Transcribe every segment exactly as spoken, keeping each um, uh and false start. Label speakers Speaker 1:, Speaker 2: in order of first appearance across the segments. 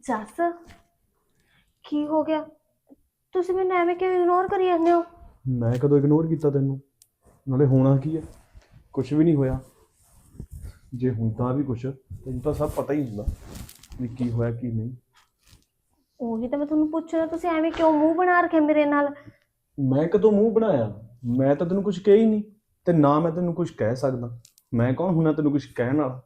Speaker 1: ਜੱਸ ਕੀ ਹੋ ਗਿਆ? ਤੁਸੀਂ ਮੈਨੂੰ ਐਵੇਂ ਕਿਉਂ ਇਗਨੋਰ ਕਰੀ ਜਾਂਦੇ ਹੋ?
Speaker 2: ਮੈਂ ਕਦੋਂ ਇਗਨੋਰ ਕੀਤਾ ਤੈਨੂੰ? ਨਾਲੇ ਹੋਣਾ ਕੀ ਹੈ? ਕੁਝ ਵੀ ਨਹੀਂ ਹੋਇਆ। ਜੇ ਹੁੰਦਾ ਵੀ ਕੁਝ ਤੈਨੂੰ ਤਾਂ ਸਭ ਪਤਾ ਹੀ ਹੁੰਦਾ ਵੀ ਕੀ ਹੋਇਆ ਕੀ ਨਹੀਂ।
Speaker 1: ਉਹੀ ਤਾਂ ਮੈਂ ਤੁਹਾਨੂੰ ਪੁੱਛਣਾ, ਤੁਸੀਂ ਐਵੇਂ ਕਿਉਂ ਮੂੰਹ ਬਣਾ ਰੱਖਿਆ ਮੇਰੇ ਨਾਲ?
Speaker 2: ਮੈਂ ਕਦੋਂ ਮੂੰਹ ਬਣਾਇਆ? ਮੈਂ ਤਾਂ ਤੈਨੂੰ ਕੁਝ ਕਿਹਾ ਹੀ ਨਹੀਂ ਤੇ ਨਾ ਮੈਂ ਤੈਨੂੰ ਕੁਝ ਕਹਿ ਸਕਦਾ। ਮੈਂ ਕੌਣ ਹੁਣਾ ਤੈਨੂੰ ਕੁਝ ਕਹਿਣ ਵਾਲਾ?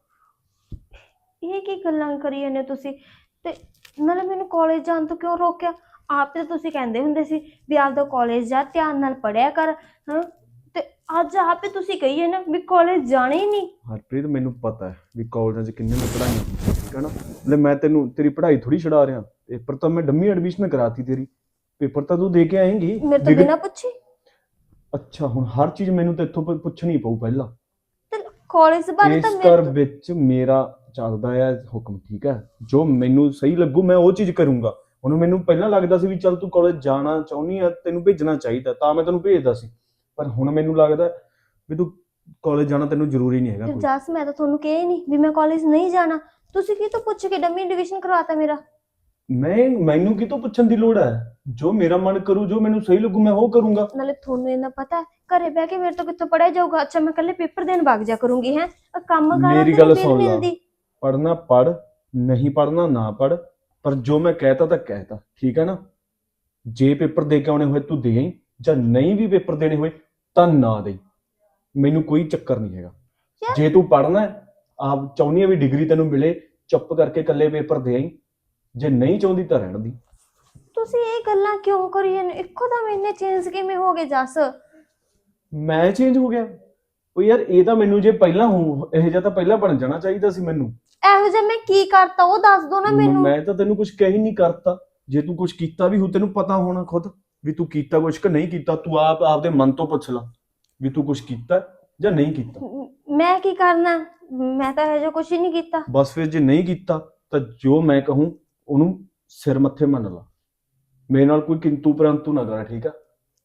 Speaker 1: ਇਹ ਕੀ ਗੱਲਾਂ ਕਰੀ ਜਾਂਦੇ ਹੋ ਤੁਸੀਂ? ਤੇ ਨਾਲੇ ਮੈਨੂੰ ਕਾਲਜ ਜਾਣ ਤੋਂ ਕਿਉਂ ਰੋਕਿਆ? ਆਪ ਤੇ ਤੁਸੀਂ ਕਹਿੰਦੇ ਹੁੰਦੇ ਸੀ ਵੀ ਆਪਦਾ ਕਾਲਜ ਜਾ, ਧਿਆਨ ਨਾਲ ਪੜ੍ਹਿਆ ਕਰ। ਹਾਂ, ਤੇ ਅੱਜ ਆਪੇ ਤੁਸੀਂ ਕਹੀਏ ਨਾ ਵੀ ਕਾਲਜ ਜਾਣਾ ਹੀ ਨਹੀਂ।
Speaker 2: ਹਰਪ੍ਰੀਤ, ਮੈਨੂੰ ਪਤਾ ਹੈ ਵੀ ਕਾਲਜਾਂ 'ਚ ਕਿੰਨੇ ਨੇ ਪੜ੍ਹਾਈਆਂ ਹੁੰਦੀਆਂ, ਠੀਕ ਹੈ ਨਾ। ਲੈ ਮੈਂ ਤੈਨੂੰ ਤੇਰੀ ਪੜ੍ਹਾਈ ਥੋੜੀ ਛਡਾ ਰਿਹਾ। ਪੇਪਰ ਤਾਂ ਮੈਂ ਡੰਮੀ ਐਡਮਿਸ਼ਨ ਕਰਾਤੀ ਤੇਰੀ। ਪੇਪਰ ਤਾਂ ਤੂੰ ਦੇ ਕੇ ਆਏਂਗੀ
Speaker 1: ਮੇਰੇ ਤੋਂ ਬਿਨਾਂ ਪੁੱਛੇ।
Speaker 2: ਅੱਛਾ, ਹੁਣ ਹਰ ਚੀਜ਼ ਮੈਨੂੰ ਤੇ ਇੱਥੋਂ ਪੁੱਛਣੀ ਪਊ ਪਹਿਲਾਂ।
Speaker 1: ਤੇ ਕਾਲਜ ਬਾਰੇ ਤਾਂ
Speaker 2: ਇਸ
Speaker 1: ਮੇਰੇ
Speaker 2: ਘਰ
Speaker 1: ਤੋਂ
Speaker 2: ਵਿੱਚ ਮੇਰਾ ਚੱਲਦਾ ਹੈ ਹੁਕਮ, ਠੀਕ ਹੈ। ਜੋ ਮੈਨੂੰ ਸਹੀ ਲੱਗੂ ਮੈਂ ਉਹ ਚੀਜ਼ ਕਰੂੰਗਾ। ਹੁਣ ਮੈਨੂੰ ਪਹਿਲਾਂ ਲੱਗਦਾ ਸੀ ਵੀ ਚੱਲ ਤੂੰ ਕਾਲਜ ਜਾਣਾ ਚਾਹੁੰਦੀ ਆ, ਤੈਨੂੰ ਭੇਜਣਾ ਚਾਹੀਦਾ ਤਾਂ ਮੈਂ ਤੈਨੂੰ ਭੇਜਦਾ ਸੀ। ਪਰ ਹੁਣ ਮੈਨੂੰ ਲੱਗਦਾ ਵੀ ਤੂੰ ਕਾਲਜ ਜਾਣਾ ਤੈਨੂੰ ਜ਼ਰੂਰੀ ਨਹੀਂ ਹੈਗਾ
Speaker 1: ਤੇ
Speaker 2: ਕੋਈ।
Speaker 1: ਜਸ ਮੈਂ ਤਾਂ ਤੁਹਾਨੂੰ ਕਿਹਾ ਹੀ ਨਹੀਂ ਵੀ ਮੈਂ ਕਾਲਜ ਨਹੀਂ ਜਾਣਾ। ਤੁਸੀਂ ਕੀ ਤੋਂ ਪੁੱਛ ਕੇ ਡੰਮੀ ਐਡਮਿਸ਼ਨ ਕਰਵਾਤਾ ਮੇਰਾ?
Speaker 2: ਮੈਂ ਮੈਨੂੰ ਕਿਤੋਂ ਪੁੱਛਣ ਦੀ ਲੋੜ ਹੈ? ਜੋ ਮੇਰਾ ਮਨ ਕਰੂ, ਜੋ ਮੈਨੂੰ ਸਹੀ ਲੱਗੂ ਮੈਂ ਉਹ ਕਰੂੰਗਾ।
Speaker 1: ਨਾਲੇ ਤੁਹਾਨੂੰ ਇਹਨਾਂ ਪਤਾ ਹੈ ਘਰੇ ਬਹਿ ਕੇ ਮੇਰੇ ਤੋਂ ਕਿੱਥੋਂ ਪੜਿਆ ਜਾਊਗਾ? ਅੱਛਾ ਮੈਂ ਕੱਲੇ ਪੇਪਰ ਦੇਣ ਵਗ ਜਾ ਕਰੂੰਗੀ? ਹੈ ਕੰਮ ਕਾਰਾਂ
Speaker 2: ਮੇਰੀ
Speaker 1: ਤੇ
Speaker 2: ਗੱਲ
Speaker 1: ਨਹੀਂ
Speaker 2: ਸੁਣ ਲਾ,
Speaker 1: ਮਿਲਦੀ।
Speaker 2: ਪੜ੍ਹਨਾ ਪੜ੍ਹ, ਨਹੀਂ ਪੜ੍ਹਨਾ ਨਾ ਪੜ੍ਹ, ਪਰ ਜੋ ਮੈਂ ਕਹਿਤਾ ਤਾਂ ਕਹਿਤਾ, ਠੀਕ ਹੈ ਨਾ। ਜੇ ਪੇਪਰ ਦੇ ਕੇ ਆਉਣੇ ਹੋਏ ਤੂੰ ਦੇ ਆਈ, ਜਾਂ ਨਹੀਂ ਵੀ ਪੇਪਰ ਦੇਣੇ ਹੋਏ ਤਾਂ ਨਾ ਦੇ। ਮੈਨੂੰ ਕੋਈ ਚੱਕਰ ਨਹੀਂ ਹੈਗਾ।
Speaker 1: ਯਾਰ
Speaker 2: ਜੇ ਤੂੰ ਪੜ੍ਹਨਾ ਆਪ ਚਾਹੁੰਦੀ ਆ ਵੀ ਡਿਗਰੀ ਤੈਨੂੰ ਮਿਲੇ, ਚੁੱਪ ਕਰਕੇ ਇਕੱਲੇ ਪੇਪਰ ਦੇ ਆਈ। ਜੇ ਨਹੀਂ ਚਾਹੁੰਦੀ ਤਾਂ ਰਹਿਣ ਦੀ।
Speaker 1: ਤੁਸੀਂ ਇਹ ਗੱਲਾਂ ਕਿਉਂ ਕਰੀ ਜਾਂਦੇ? ਇੱਕੋ ਦਮ ਇੰਨੇ ਚੇਂਜ ਕਿਵੇਂ ਹੋ ਗਏ ਜਸ?
Speaker 2: ਮੈਂ ਚੇਂਜ ਹੋ ਗਿਆ? ਉਹ ਯਾਰ ਇਹ ਤਾਂ ਮੈਨੂੰ ਜੇ ਪਹਿਲਾਂ ਹੋ ਇਹ ਜਿਹਾ ਤਾਂ ਪਹਿਲਾਂ ਬਣ ਜਾਣਾ ਚਾਹੀਦਾ ਸੀ ਮੈਨੂੰ।
Speaker 1: ਇਹੋ ਜਿਹਾ ਮੈਂ ਕੀ ਕਰਤਾ ਉਹ ਦੱਸ ਦੋ ਨਾ ਮੈਨੂੰ।
Speaker 2: ਮੈਂ ਤਾਂ ਤੈਨੂੰ ਕੁਝ ਕਹਿ ਹੀ ਨਹੀਂ ਕਰਤਾ। ਜੇ ਤੂੰ ਕੁਝ ਕੀਤਾ ਵੀ ਹੋ ਤੈਨੂੰ ਪਤਾ ਹੋਣਾ ਖੁਦ ਵੀ ਤੂੰ ਕੀਤਾ ਕੁਝ ਕਿ ਨਹੀਂ ਕੀਤਾ। ਤੂੰ ਆਪ ਆਪਦੇ ਮਨ ਤੋਂ ਪੁੱਛ ਲਾ ਵੀ ਤੂੰ ਕੁਝ ਕੀਤਾ ਜਾਂ ਨਹੀਂ ਕੀਤਾ।
Speaker 1: ਮੈਂ ਕੀ ਕਰਨਾ? ਮੈਂ ਤਾਂ ਇਹੋ ਜਿਹਾ ਕੁਝ ਹੀ ਨਹੀਂ ਕੀਤਾ।
Speaker 2: ਬਸ ਫਿਰ ਜੇ ਨਹੀਂ ਕੀਤਾ ਤਾਂ ਜੋ ਮੈਂ ਕਹੂੰ ਉਹਨੂੰ ਸਿਰ ਮੱਥੇ ਮੰਨ ਲਾ। ਮੇਰੇ ਨਾਲ ਕੋਈ ਕਿੰਤੂ ਪਰੰਤੂ ਨਾ ਕਰ, ਠੀਕ ਆ।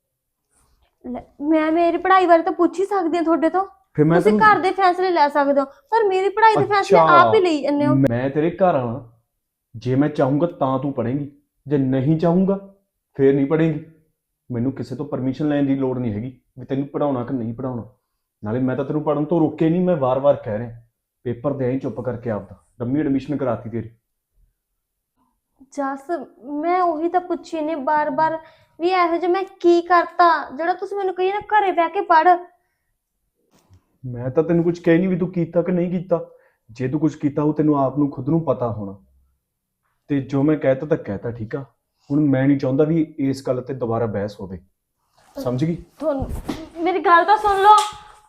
Speaker 1: ਲੈ, ਮੈਂ ਮੇਰੀ ਪੜ੍ਹਾਈ ਬਾਰੇ ਤਾਂ ਪੁੱਛ ਹੀ ਸਕਦੀ ਹਾਂ ਤੁਹਾਡੇ ਤੋਂ।
Speaker 2: ਫਿਰ ਮੈਂ
Speaker 1: ਤੁਸੀਂ
Speaker 2: ਤੈਨੂੰ
Speaker 1: ਘਰ ਦੇ ਫੈਸਲੇ ਲੈ ਸਕਦੇ ਹੋ ਪਰ ਮੇਰੀ ਪੜ੍ਹਾਈ ਦੇ ਫੈਸਲੇ ਆਪ ਹੀ ਲਈ ਜਾਂਦੇ ਹੋ।
Speaker 2: ਮੈਂ ਤੇਰੇ ਘਰ ਆਣਾ, ਜੇ ਮੈਂ ਚਾਹੂੰਗਾ ਤਾਂ ਤੂੰ ਪੜ੍ਹੇਂਗੀ, ਜੇ ਨਹੀਂ ਚਾਹੂੰਗਾ ਫੇਰ ਨਹੀਂ ਪੜ੍ਹੇਂਗੀ। ਮੈਨੂੰ ਕਿਸੇ ਤੋਂ ਪਰਮਿਸ਼ਨ ਲੈਣ ਦੀ ਲੋੜ ਨਹੀਂ ਹੈਗੀ ਵੀ ਤੈਨੂੰ ਪੜ੍ਹਾਉਣਾ ਕਿ ਨਹੀਂ ਪੜ੍ਹਾਉਣਾ। ਨਾਲੇ ਮੈਂ ਤਾਂ ਤੈਨੂੰ ਪੜ੍ਹਨ ਤੋਂ ਰੋਕੇ ਨਹੀਂ, ਮੈਂ ਵਾਰ-ਵਾਰ ਕਹਿ ਰਿਹਾ ਪੇਪਰ ਦੇ ਆਈ ਚੁੱਪ ਕਰਕੇ ਆਪਦਾ। ਡੰਮੀ ਐਡਮਿਸ਼ਨ ਕਰਾਤੀ ਤੇਰੀ।
Speaker 1: ਜਸ ਮੈਂ ਉਹੀ ਤਾਂ ਪੁੱਛੀ ਨੇ ਬਾਰ-ਬਾਰ ਵੀ ਇਹੋ ਜਿਹਾ ਮੈਂ ਕੀ ਕਰਤਾ ਜਿਹੜਾ ਤੁਸੀਂ ਮੈਨੂੰ ਕਹੀ ਨਾ ਘਰੇ ਬਹਿ ਕੇ ਪੜ੍ਹ।
Speaker 2: ਮੈਂ ਤਾਂ ਤੈਨੂੰ ਕੁਝ ਕਹਿ ਨਹੀਂ ਵੀ ਤੂੰ ਕੀਤਾ ਕਿ ਨਹੀਂ ਕੀਤਾ। ਜੇ ਤੂੰ ਕੁਝ ਕੀਤਾ ਉਹ ਤੈਨੂੰ ਆਪ ਨੂੰ ਖੁਦ ਨੂੰ ਪਤਾ ਹੋਣਾ। ਤੇ ਜੋ ਮੈਂ ਕਹਿਤਾ ਤਾਂ ਕਹਿਤਾ, ਠੀਕ ਆ। ਹੁਣ ਮੈਂ ਨਹੀਂ ਚਾਹੁੰਦਾ ਵੀ ਇਸ ਗੱਲ ਤੇ ਦੁਬਾਰਾ ਬਹਿਸ ਹੋਵੇ, ਸਮਝ ਗਈ?
Speaker 1: ਤੁਹਾਨੂੰ ਮੇਰੀ ਗੱਲ ਤਾਂ ਸੁਣ ਲਓ।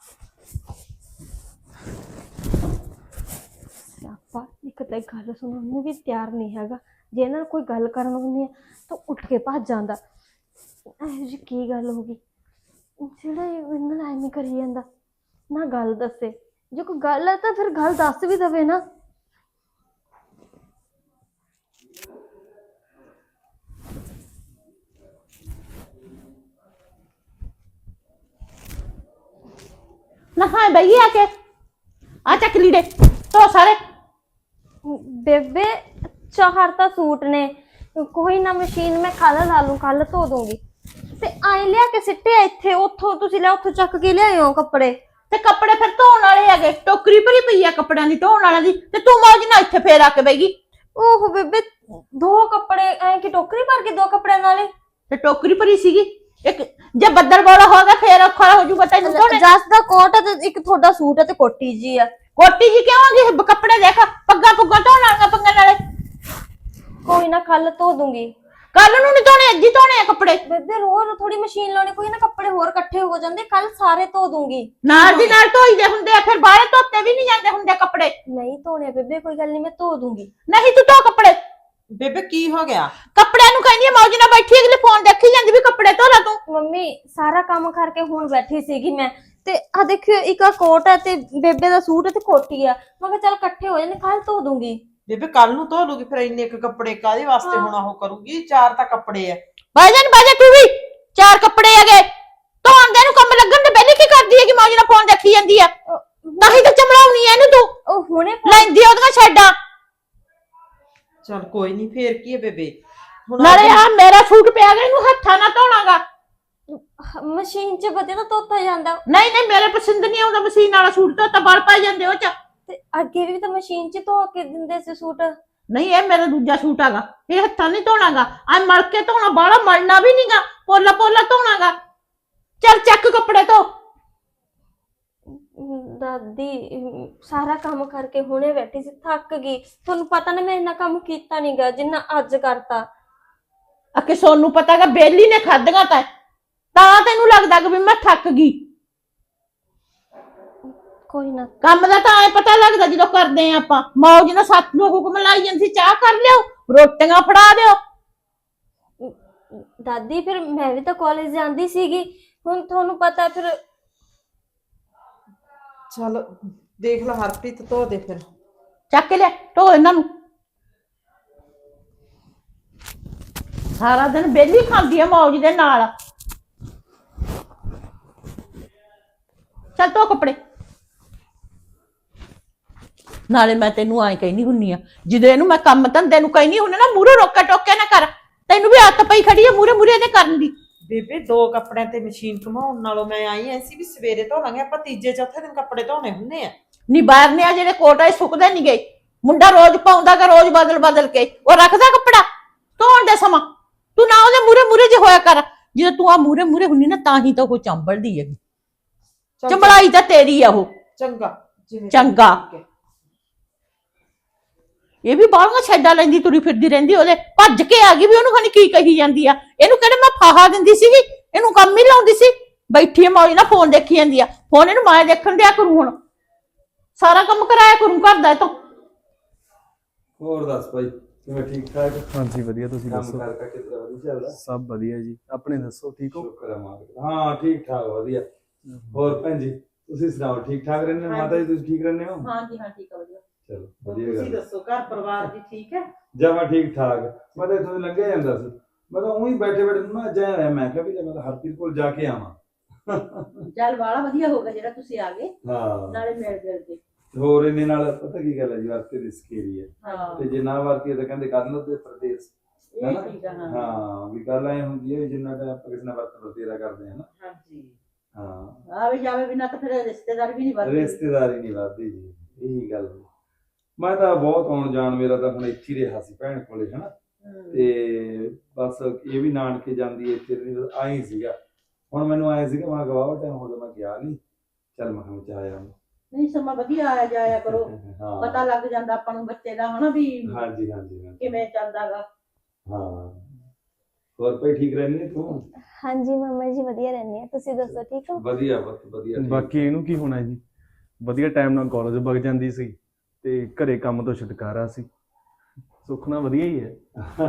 Speaker 1: ਸਿਆਪਾ ਇੱਕ ਤਾਂ ਗੱਲ ਸੁਣਨ ਨੂੰ ਵੀ ਤਿਆਰ ਨਹੀਂ ਹੈਗਾ। ਜੇ ਇਹਨਾਂ ਨਾਲ ਕੋਈ ਗੱਲ ਕਰਨ ਹੁੰਦੀ ਹੈ ਤਾਂ ਉੱਠ ਕੇ ਭੱਜ ਜਾਂਦਾ। ਇਹੋ ਜਿਹੀ ਕੀ ਗੱਲ ਹੋ ਗਈ ਜਿਹੜਾ ਇਹਨਾਂ ਨਾਲ ਐਵੇਂ ਕਰੀ ਜਾਂਦਾ? ਨਾ ਗੱਲ ਦੱਸੇ। ਜੇ ਕੋਈ ਗੱਲ ਹੈ ਤਾਂ ਫਿਰ ਗੱਲ ਦੱਸ ਵੀ ਦਵੇ ਨਾ।
Speaker 3: ਨਾ ਹਾਂ ਬਈ ਆ ਕੇ ਆ ਚੱਕ ਲੀੜੇ ਤੋ ਸਾਰੇ।
Speaker 1: ਬੇਬੇ ਚਾਰ ਤਾਂ ਸੂਟ ਨੇ, ਕੋਈ ਨਾ ਮਸ਼ੀਨ ਮੈਂ ਕੱਲ ਲਾ ਲੂੰ, ਕੱਲ ਧੋ ਦੂੰਗੀ। ਤੇ ਆਏ ਲਿਆ ਕੇ ਸਿੱਟੇ ਇੱਥੇ, ਉੱਥੋਂ ਤੁਸੀਂ ਲਿਆ ਉੱਥੋਂ ਚੱਕ ਕੇ ਲਿਆਏ ਹੋ ਕੱਪੜੇ।
Speaker 3: ਤੇ ਕੱਪੜੇ ਫਿਰ ਧੋਣ ਵਾਲੇ ਹੈਗੇ, ਟੋਕਰੀ ਭਰੀ ਪਈ ਆ ਕੱਪੜਿਆਂ ਦੀ ਧੋਣ ਵਾਲਿਆਂ ਦੀ। ਤੇ ਤੂੰ ਮੌਜ ਨਾਲ ਇੱਥੇ ਫੇਰ ਆ ਕੇ ਬੈਗੀ।
Speaker 1: ਓਹ ਬੇਬੇ ਦੋ ਕੱਪੜੇ ਐ ਕਿ ਟੋਕਰੀ ਭਰ ਕੇ ਦੋ ਕੱਪੜਿਆਂ ਨਾਲੇ?
Speaker 3: ਤੇ ਟੋਕਰੀ ਭਰੀ ਸੀਗੀ। ਇੱਕ ਜੇ ਬੱਦਲ ਬੋਲਾ ਹੋ ਗਿਆ ਫੇਰ ਔਖਾ ਹੋ ਜੂਗਾ ਤੈਨੂੰ ਧੋਣੇ।
Speaker 1: ਜਸ ਦਾ ਕੋਟ ਹੈ ਤੇ ਇੱਕ ਤੁਹਾਡਾ ਸੂਟ ਹੈ ਤੇ ਕੋਟੀ ਜੀ ਆ।
Speaker 3: ਕੋਟੀ ਜੀ ਕਿਉਂ ਆਂਗੀ? ਕੱਪੜੇ ਦੇਖ, ਪੱਗਾਂ ਪੁੱਗਾਂ ਧੋਣ ਵਾਲੀਆਂ ਪੱਗਾਂ ਨਾਲੇ।
Speaker 1: ਕੋਈ ਨਾ ਕੱਲ ਧੋ ਦੂੰਗੀ।
Speaker 3: ਕੱਲ ਨੂੰ ਨਹੀਂ ਧੋਣੇ, ਅੱਜ ਹੀ ਧੋਣੇ ਆ ਕੱਪੜੇ।
Speaker 1: ਬੇਬੇ ਰੋਜ਼ ਥੋੜੀ ਮਸ਼ੀਨ ਲਾਉਣੀ, ਕੋਈ ਨਾ ਕੱਪੜੇ ਹੋਰ ਇਕੱਠੇ ਹੋ ਜਾਂਦੇ, ਕੱਲ ਸਾਰੇ ਧੋ ਦੂੰਗੀ।
Speaker 3: ਨਾਲ ਦੀ ਨਾਲ ਧੋਈਦੇ ਹੁੰਦੇ ਆ, ਫਿਰ ਬਾਹਰ ਧੋਤੇ ਵੀ ਨਹੀਂ ਜਾਂਦੇ ਹੁੰਦੇ ਕੱਪੜੇ।
Speaker 1: ਨਹੀਂ ਧੋਣੇ ਬੇਬੇ, ਕੋਈ ਗੱਲ ਨਹੀਂ ਮੈਂ ਧੋ ਦੂੰਗੀ।
Speaker 3: ਨਹੀਂ ਤੂੰ ਧੋ ਕੱਪੜੇ।
Speaker 4: ਬੇਬੇ ਕੀ ਹੋ ਗਿਆ?
Speaker 3: ਕੱਪੜਿਆਂ ਨੂੰ ਕਹਿੰਦੀ ਆ ਮੌਜ ਨਾਲ ਬੈਠੀ, ਅਗਲੇ ਫੋਨ ਦੇਖੀ ਜਾਂਦੀ ਵੀ ਕੱਪੜੇ ਧੋ ਲੈ ਤੂੰ।
Speaker 1: ਮੰਮੀ ਸਾਰਾ ਕੰਮ ਕਰਕੇ ਹੁਣ ਬੈਠੀ ਸੀਗੀ ਮੈਂ, ਤੇ ਆ ਦੇਖਿਓ ਇੱਕ ਆ ਕੋਟ ਹੈ ਤੇ ਬੇਬੇ ਦਾ ਸੂਟ ਹੈ ਤੇ ਕੋਟੀ ਆ। ਮੈਂ ਕਿਹਾ ਚੱਲ ਇਕੱਠੇ ਹੋ ਜਾਂਦੇ, ਕੱਲ ਧੋ ਦੂੰਗੀ।
Speaker 4: ਬੇਬੇ ਕੱਲ ਨੂੰ ਧੋ ਲੂਗੀ, ਫਿਰ ਇੰਨੇ ਇੱਕ ਕੱਪੜੇ ਕਾਹਦੇ ਵਾਸਤੇ ਹੁਣ ਉਹ ਕਰੂਗੀ? ਚਾਰ ਤਾਂ ਕੱਪੜੇ ਆ।
Speaker 3: ਬਾਜਨ ਬਾਜਾ ਤੂੰ ਵੀ ਚਾਰ ਕੱਪੜੇ ਹੈਗੇ ਧੋਣ ਦੇ ਨੂੰ ਕੰਮ ਲੱਗਣ ਤੇ ਪਹਿਲੇ ਕੀ ਕਰਦੀ ਹੈਗੀ? ਮੌਜ ਨਾਲ ਫੋਨ ਦੇਖੀ ਜਾਂਦੀ ਆ, ਤਾਂ ਹੀ ਤਾਂ ਚਮੜਾਉਣੀ ਐ ਇਹਨੂੰ ਤੂੰ।
Speaker 1: ਉਹ ਹੁਣੇ
Speaker 3: ਲੈਂਦੀ ਉਹਦੀਆਂ ਛੱਡਾਂ।
Speaker 4: ਚਲ ਕੋਈ ਨਹੀਂ, ਫੇਰ ਕੀ ਹੈ ਬੇਬੇ ਹੁਣ
Speaker 3: ਨਾਲੇ
Speaker 4: ਆਪਣੀ-
Speaker 3: ਆ ਮੇਰਾ ਸੂਟ ਪਿਆ ਗਿਆ, ਇਹਨੂੰ ਹੱਥਾਂ ਨਾਲ ਧੋਣਾਗਾ।
Speaker 1: ਮਸ਼ੀਨ 'ਚ ਵਧੀਆ ਤਾਂ ਧੋਤਾ ਜਾਂਦਾ।
Speaker 3: ਨਹੀਂ ਨਹੀਂ, ਮੇਰੇ ਪਸੰਦ ਨਹੀਂ ਆਉਂਦਾ ਮਸ਼ੀਨ ਵਾਲਾ ਸੂਟ, ਤਾਂ ਤਾਂ ਬਲ ਪੈ ਜਾਂਦੇ ਉਹ ਚ।
Speaker 1: ਤੇ ਅੱਗੇ ਵੀ ਤਾਂ ਮਸ਼ੀਨ 'ਚ ਧੋ ਕੇ ਦਿੰਦੇ ਸੀ ਸੂਟ।
Speaker 3: ਨਹੀਂ, ਇਹ ਮੇਰਾ ਦੂਜਾ ਸੂਟ ਹੈਗਾ, ਇਹ ਹੱਥਾਂ ਨਹੀਂ ਧੋਣਾਗਾ। ਆ ਮਲ ਕੇ ਧੋਣਾ, ਬਾਹਲਾ ਮਲਣਾ ਵੀ ਨਹੀਂਗਾ, ਪੋਲਾ ਪੋਲਾ ਧੋਣਾਗਾ। ਚੱਲ ਚੱਕ ਕੱਪੜੇ ਧੋ।
Speaker 1: ਦਾਦੀ ਅਮ, ਸਾਰਾ ਕੰਮ ਕਰਕੇ ਹੁਣੇ ਬੈਠੀ ਸੀ, ਥੱਕ ਗਈ। ਤੁਹਾਨੂੰ ਪਤਾ ਨਾ ਮੈਂ ਇੰਨਾ ਕੰਮ ਕੀਤਾ ਨਹੀਂਗਾ ਜਿੰਨਾ ਅੱਜ ਕਰਤਾ।
Speaker 3: ਅਕੇ ਸੋਨੂੰ ਪਤਾਗਾ ਬੇਲੀ ਨੇ ਖਾਧੀਆਂ ਤਾਂ ਤਾਂ ਤੈਨੂੰ ਲੱਗਦਾ ਕਿ ਵੀ ਮੈਂ ਥੱਕ ਗਈ।
Speaker 1: ਕੋਈ ਨਾ
Speaker 3: ਕੰਮ ਦਾ ਤਾਂ ਐ ਪਤਾ ਲੱਗਦਾ ਜਦੋਂ ਕਰਦੇ ਆ ਆਪਾਂ। ਮੌਜ ਨਾਲ ਸੱਤ ਨੂੰ ਹੁਕਮ ਲਾਈ ਜਾਂਦੀ ਸੀ, ਚਾਹ ਕਰ ਲਿਓ, ਰੋਟੀਆਂ ਫੜਾ ਦਿਓ।
Speaker 1: ਦਾਦੀ ਫਿਰ ਮੈਂ ਵੀ ਤਾਂ ਕਾਲਜ ਜਾਂਦੀ ਸੀਗੀ, ਹੁਣ ਤੁਹਾਨੂੰ ਪਤਾ ਫਿਰ।
Speaker 4: ਚੱਲ ਦੇਖ ਲੈ ਹਰਪ੍ਰੀਤ, ਧੋ ਦੇ ਫਿਰ।
Speaker 3: ਚੱਕ ਕੇ ਲਿਆ, ਢੋ ਇਹਨਾਂ ਨੂੰ। ਸਾਰਾ ਦਿਨ ਬੇਲੀ ਖਾਂਦੀ ਆ ਮੌਜ ਦੇ ਨਾਲ। ਚੱਲ ਧੋ ਕੱਪੜੇ। ਨਾਲੇ ਮੈਂ ਤੈਨੂੰ ਐਂ ਕਹਿਨੀ ਹੁੰਨੀ ਆ, ਜਦੋਂ ਇਹਨੂੰ ਮੈਂ ਕੰਮ ਧੰਦੇ ਨੂੰ ਕਹਿਨੀ ਹੁੰਨੀ ਨਾ, ਮੂਹਰੇ ਰੋਕਾ ਟੋਕਿਆ ਨਾ ਕਰ। ਤੈਨੂੰ ਵੀ ਆਦਤ ਪਈ ਖੜੀ ਆ ਮੂਹਰੇ ਮੂਹਰੇ ਦੇ ਕਰਨ ਦੀ।
Speaker 4: ਬੇਬੇ ਦੋ ਕੱਪੜਿਆਂ ਤੇ ਮਸ਼ੀਨ ਘੁਮਾਉਣ ਨਾਲੋਂ ਮੈਂ ਆਈ ਐ ਸੀ ਵੀ ਸਵੇਰੇ ਧੋ ਲਾਂਗੇ, ਆਪਾਂ ਤੀਜੇ ਚੌਥੇ ਦਿਨ ਕੱਪੜੇ ਧੋਣੇ ਹੁੰਦੇ ਆ।
Speaker 3: ਨੀ ਬਾਹਰ ਨੇ ਆ ਜਿਹੜੇ ਕੋਟ ਆ ਸੁੱਕਦੇ ਨਹੀਂ ਗਏ। ਮੁੰਡਾ ਰੋਜ਼ ਪਾਉਂਦਾ ਕਿ ਰੋਜ਼ ਬਦਲ ਬਦਲ ਕੇ ਉਹ ਰੱਖਦਾ ਕੱਪੜਾ ਧੋਣ ਦੇ ਸਮਾਂ। ਤੂੰ ਨਾ ਉਹਦੇ ਮੂਹਰੇ ਮੂਹਰੇ ਜੇ ਹੋਇਆ ਕਰ। ਜਦੋਂ ਤੂੰ ਆ ਮੂਹਰੇ ਮੂਹਰੇ ਹੁੰਨੀ ਨਾ, ਤਾਂ ਹੀ ਤਾਂ ਉਹ ਚੰਬਲਦੀ ਹੈਗੀ।
Speaker 4: ਚੱਲ
Speaker 3: ਚੰਬਲਾਈ ਤਾਂ ਤੇਰੀ ਆ ਉਹ।
Speaker 4: ਚੰਗਾ ਜਿਵੇਂ
Speaker 3: ਚੰਗਾ।
Speaker 4: ਠੀਕ ਹੈ।
Speaker 3: ਇਹ ਵੀ ਬਾਹਲੀਆਂ ਛੱਡਾ ਲੈਂਦੀ, ਤੁਰੀ ਫਿਰਦੀ ਰਹਿੰਦੀ, ਉਹਦੇ ਭੱਜ ਕੇ ਆ ਗਈ ਵੀ ਉਹਨੂੰ ਖਾਣੀ ਕੀ ਕਹੀ ਜਾਂਦੀ ਆ। ਇਹਨੂੰ ਕਿਹੜੇ ਮੈਂ ਫਾਹਾ ਦਿੰਦੀ ਸੀਗੀ, ਇਹਨੂੰ ਕੰਮ ਹੀ ਲਾਉਂਦੀ ਸੀ। ਬੈਠੀ ਆ ਮੌਜ ਨਾਲ ਫੋਨ ਦੇਖੀ ਜਾਂਦੀ ਆ। ਫੋਨ ਇਹਨੂੰ ਮੈਂ ਦੇਖਣ ਦਿਆ ਕਰੂ, ਹੁਣ ਸਾਰਾ ਕੰਮ ਕਰਾਇਆ ਕਰੂੰ ਘਰ ਦਾ ਇਹ ਤੋਂ।
Speaker 5: ਹੋਰ ਦੱਸ ਭਾਈ, ਕਿਵੇਂ ਠੀਕ ਠਾਕ?
Speaker 2: ਹਾਂਜੀ ਵਧੀਆ, ਤੁਸੀਂ
Speaker 5: ਕੰਮ
Speaker 2: ਦੱਸੋ?
Speaker 5: ਕਰ ਕਰ ਕਿਤਨਾ ਵਧੀਆ ਚੱਲਦਾ?
Speaker 2: ਸਭ ਵਧੀਆ ਜੀ, ਆਪਣੇ ਦੱਸੋ, ਠੀਕ ਹੋ?
Speaker 5: ਸ਼ੁਕਰ ਹੈ ਮਾਲਕ ਦਾ। ਹਾਂ ਠੀਕ ਠਾਕ ਵਧੀਆ। ਹੋਰ ਭੈਣ ਜੀ ਤੁਸੀਂ ਸੁਣਾਓ, ਠੀਕ ਠਾਕ ਰਹਿੰਦੇ ਹੋ? ਮਾਤਾ ਜੀ ਤੁਸੀਂ ਠੀਕ ਰਹਿੰਦੇ ਹੋ?
Speaker 3: ਹਾਂਜੀ ਹਾਂ, ਠੀਕ ਆ, ਵਧੀਆ।
Speaker 5: ਚਲੋ
Speaker 4: ਹੋਰ
Speaker 5: ਵਧੀਆ
Speaker 4: ਤੁਸੀਂ
Speaker 5: ਗੱਲ।
Speaker 4: ਦੱਸੋ, ਘਰ ਪਰਿਵਾਰ ਜੀ ਠੀਕ ਹੈ?
Speaker 5: ਜਮਾ ਠੀਕ ਠਾਕ। ਮੈਂ ਤਾਂ ਇੱਥੋਂ ਦੀ ਲੰਘਿਆ ਜਾਂਦਾ ਸੀ, ਮੈਂ ਤਾਂ ਉਹੀ ਬੈਠੇ ਬੈਠੇ ਨੂੰ ਨਾ ਜਾਇਆ ਹੋਇਆ, ਮੈਂ ਕਿਹਾ ਵੀ ਮੈਂ ਤਾਂ ਹਰਪ੍ਰੀਤ ਕੋਲ ਜਾ ਕੇ ਆਵਾਂ।
Speaker 3: ਚੱਲ ਬਾਹਲਾ ਵਧੀਆ ਹੋ ਗਿਆ ਜਿਹੜਾ ਤੁਸੀਂ ਆ ਗਏ,
Speaker 5: ਹਾਂ
Speaker 3: ਨਾਲੇ ਮਿਲ ਗਿਲ ਕੇ।
Speaker 5: ਹੋਰ ਇਹਨੇ ਨਾਲ ਪਤਾ ਕੀ ਗੱਲ ਹੈ ਜੀ, ਵਾਸਤੇ ਰਿਸਕ ਏਰੀਆ
Speaker 3: ਹਾਂ,
Speaker 5: ਤੇ ਜੇ ਨਾ ਵਰਤੀ ਤਾਂ ਕਹਿੰਦੇ ਕਰ ਲਓ ਤੇ ਪ੍ਰਦੇਸ਼।
Speaker 3: ਇਹ ਠੀਕ ਆ। ਹਾਂ
Speaker 5: ਹਾਂ ਵੀ ਗੱਲ ਐ ਹੁੰਦੀ ਹੈ, ਜਿੰਨਾ ਟਾਈਮ ਆਪਾਂ ਕਿਸੇ ਨਾਲ ਵਰਤ ਵਰਤੇਰਾ ਕਰਦੇ ਹਾਂ ਨਾ।
Speaker 4: ਹਾਂਜੀ
Speaker 5: ਹਾਂ
Speaker 3: ਆਵੇ ਜਾਵੇ ਬਿਨਾ ਤਾਂ ਫਿਰ ਰਿਸ਼ਤੇਦਾਰ ਵੀ ਨਹੀਂ ਵੱਧਦੇ।
Speaker 5: ਰਿਸ਼ਤੇਦਾਰੀ ਨਹੀਂ ਵੱਧਦੀ ਜੀ, ਇਹੀ ਗੱਲ। ਮੈਂ ਤਾਂ ਬਹੁਤ ਆਉਣ ਜਾਣ, ਮੇਰਾ ਤਾਂ ਹੁਣ ਇੱਥੇ ਹੀ ਰਿਹਾ ਸੀ ਭੈਣ ਕੋਲੇ ਹਨਾ, ਤੇ ਬਸ ਇਹ ਵੀ ਨਾਨਕੇ ਜਾਂਦੀ ਇੱਥੇ ਆਈ ਸੀਗਾ। ਹੁਣ ਮੈਨੂੰ ਆਇਆ ਸੀਗਾ, ਮੈਂ ਗਵਾਹ ਟਾਈਮ ਹੋ ਗਿਆ ਮੈਂ ਗਿਆ ਨਹੀਂ, ਚੱਲ ਮੈਂ ਕਿਹਾ ਚ ਆਇਆ।
Speaker 3: ਨਹੀਂ ਸਮਾਂ ਵਧੀਆ ਆਇਆ ਜਾਇਆ ਕਰੋ,
Speaker 5: ਹਾਂ
Speaker 3: ਪਤਾ ਲੱਗ ਜਾਂਦਾ ਆਪਾਂ ਨੂੰ ਬੱਚੇ ਦਾ ਹਨਾ ਵੀ
Speaker 5: ਹਾਂਜੀ ਹਾਂਜੀ ਹਾਂਜੀ।
Speaker 3: ਕਿਵੇਂ ਚੱਲਦਾਗਾ।
Speaker 5: ਹਾਂ ਹੋਰ ਭਾਈ ਠੀਕ ਰਹਿੰਦੀ ਤੂੰ?
Speaker 1: ਹਾਂਜੀ ਮਾਮਾ ਜੀ ਵਧੀਆ ਰਹਿੰਦੇ ਆ, ਤੁਸੀਂ ਦੱਸੋ ਠੀਕ ਹੋ?
Speaker 5: ਵਧੀਆ ਬਹੁਤ ਵਧੀਆ ਠੀਕ।
Speaker 2: ਬਾਕੀ ਇਹਨੂੰ ਕੀ ਹੋਣਾ ਜੀ, ਵਧੀਆ ਟਾਈਮ ਨਾਲ ਕਾਲਜ ਵਗ ਜਾਂਦੀ ਸੀ ਤੇ ਘਰੇ ਕੰਮ ਤੋਂ ਛੁਟਕਾਰਾ ਸੀ। ਸੁੱਖ ਨਾਲ ਵਧੀਆ ਹੀ ਹੈ।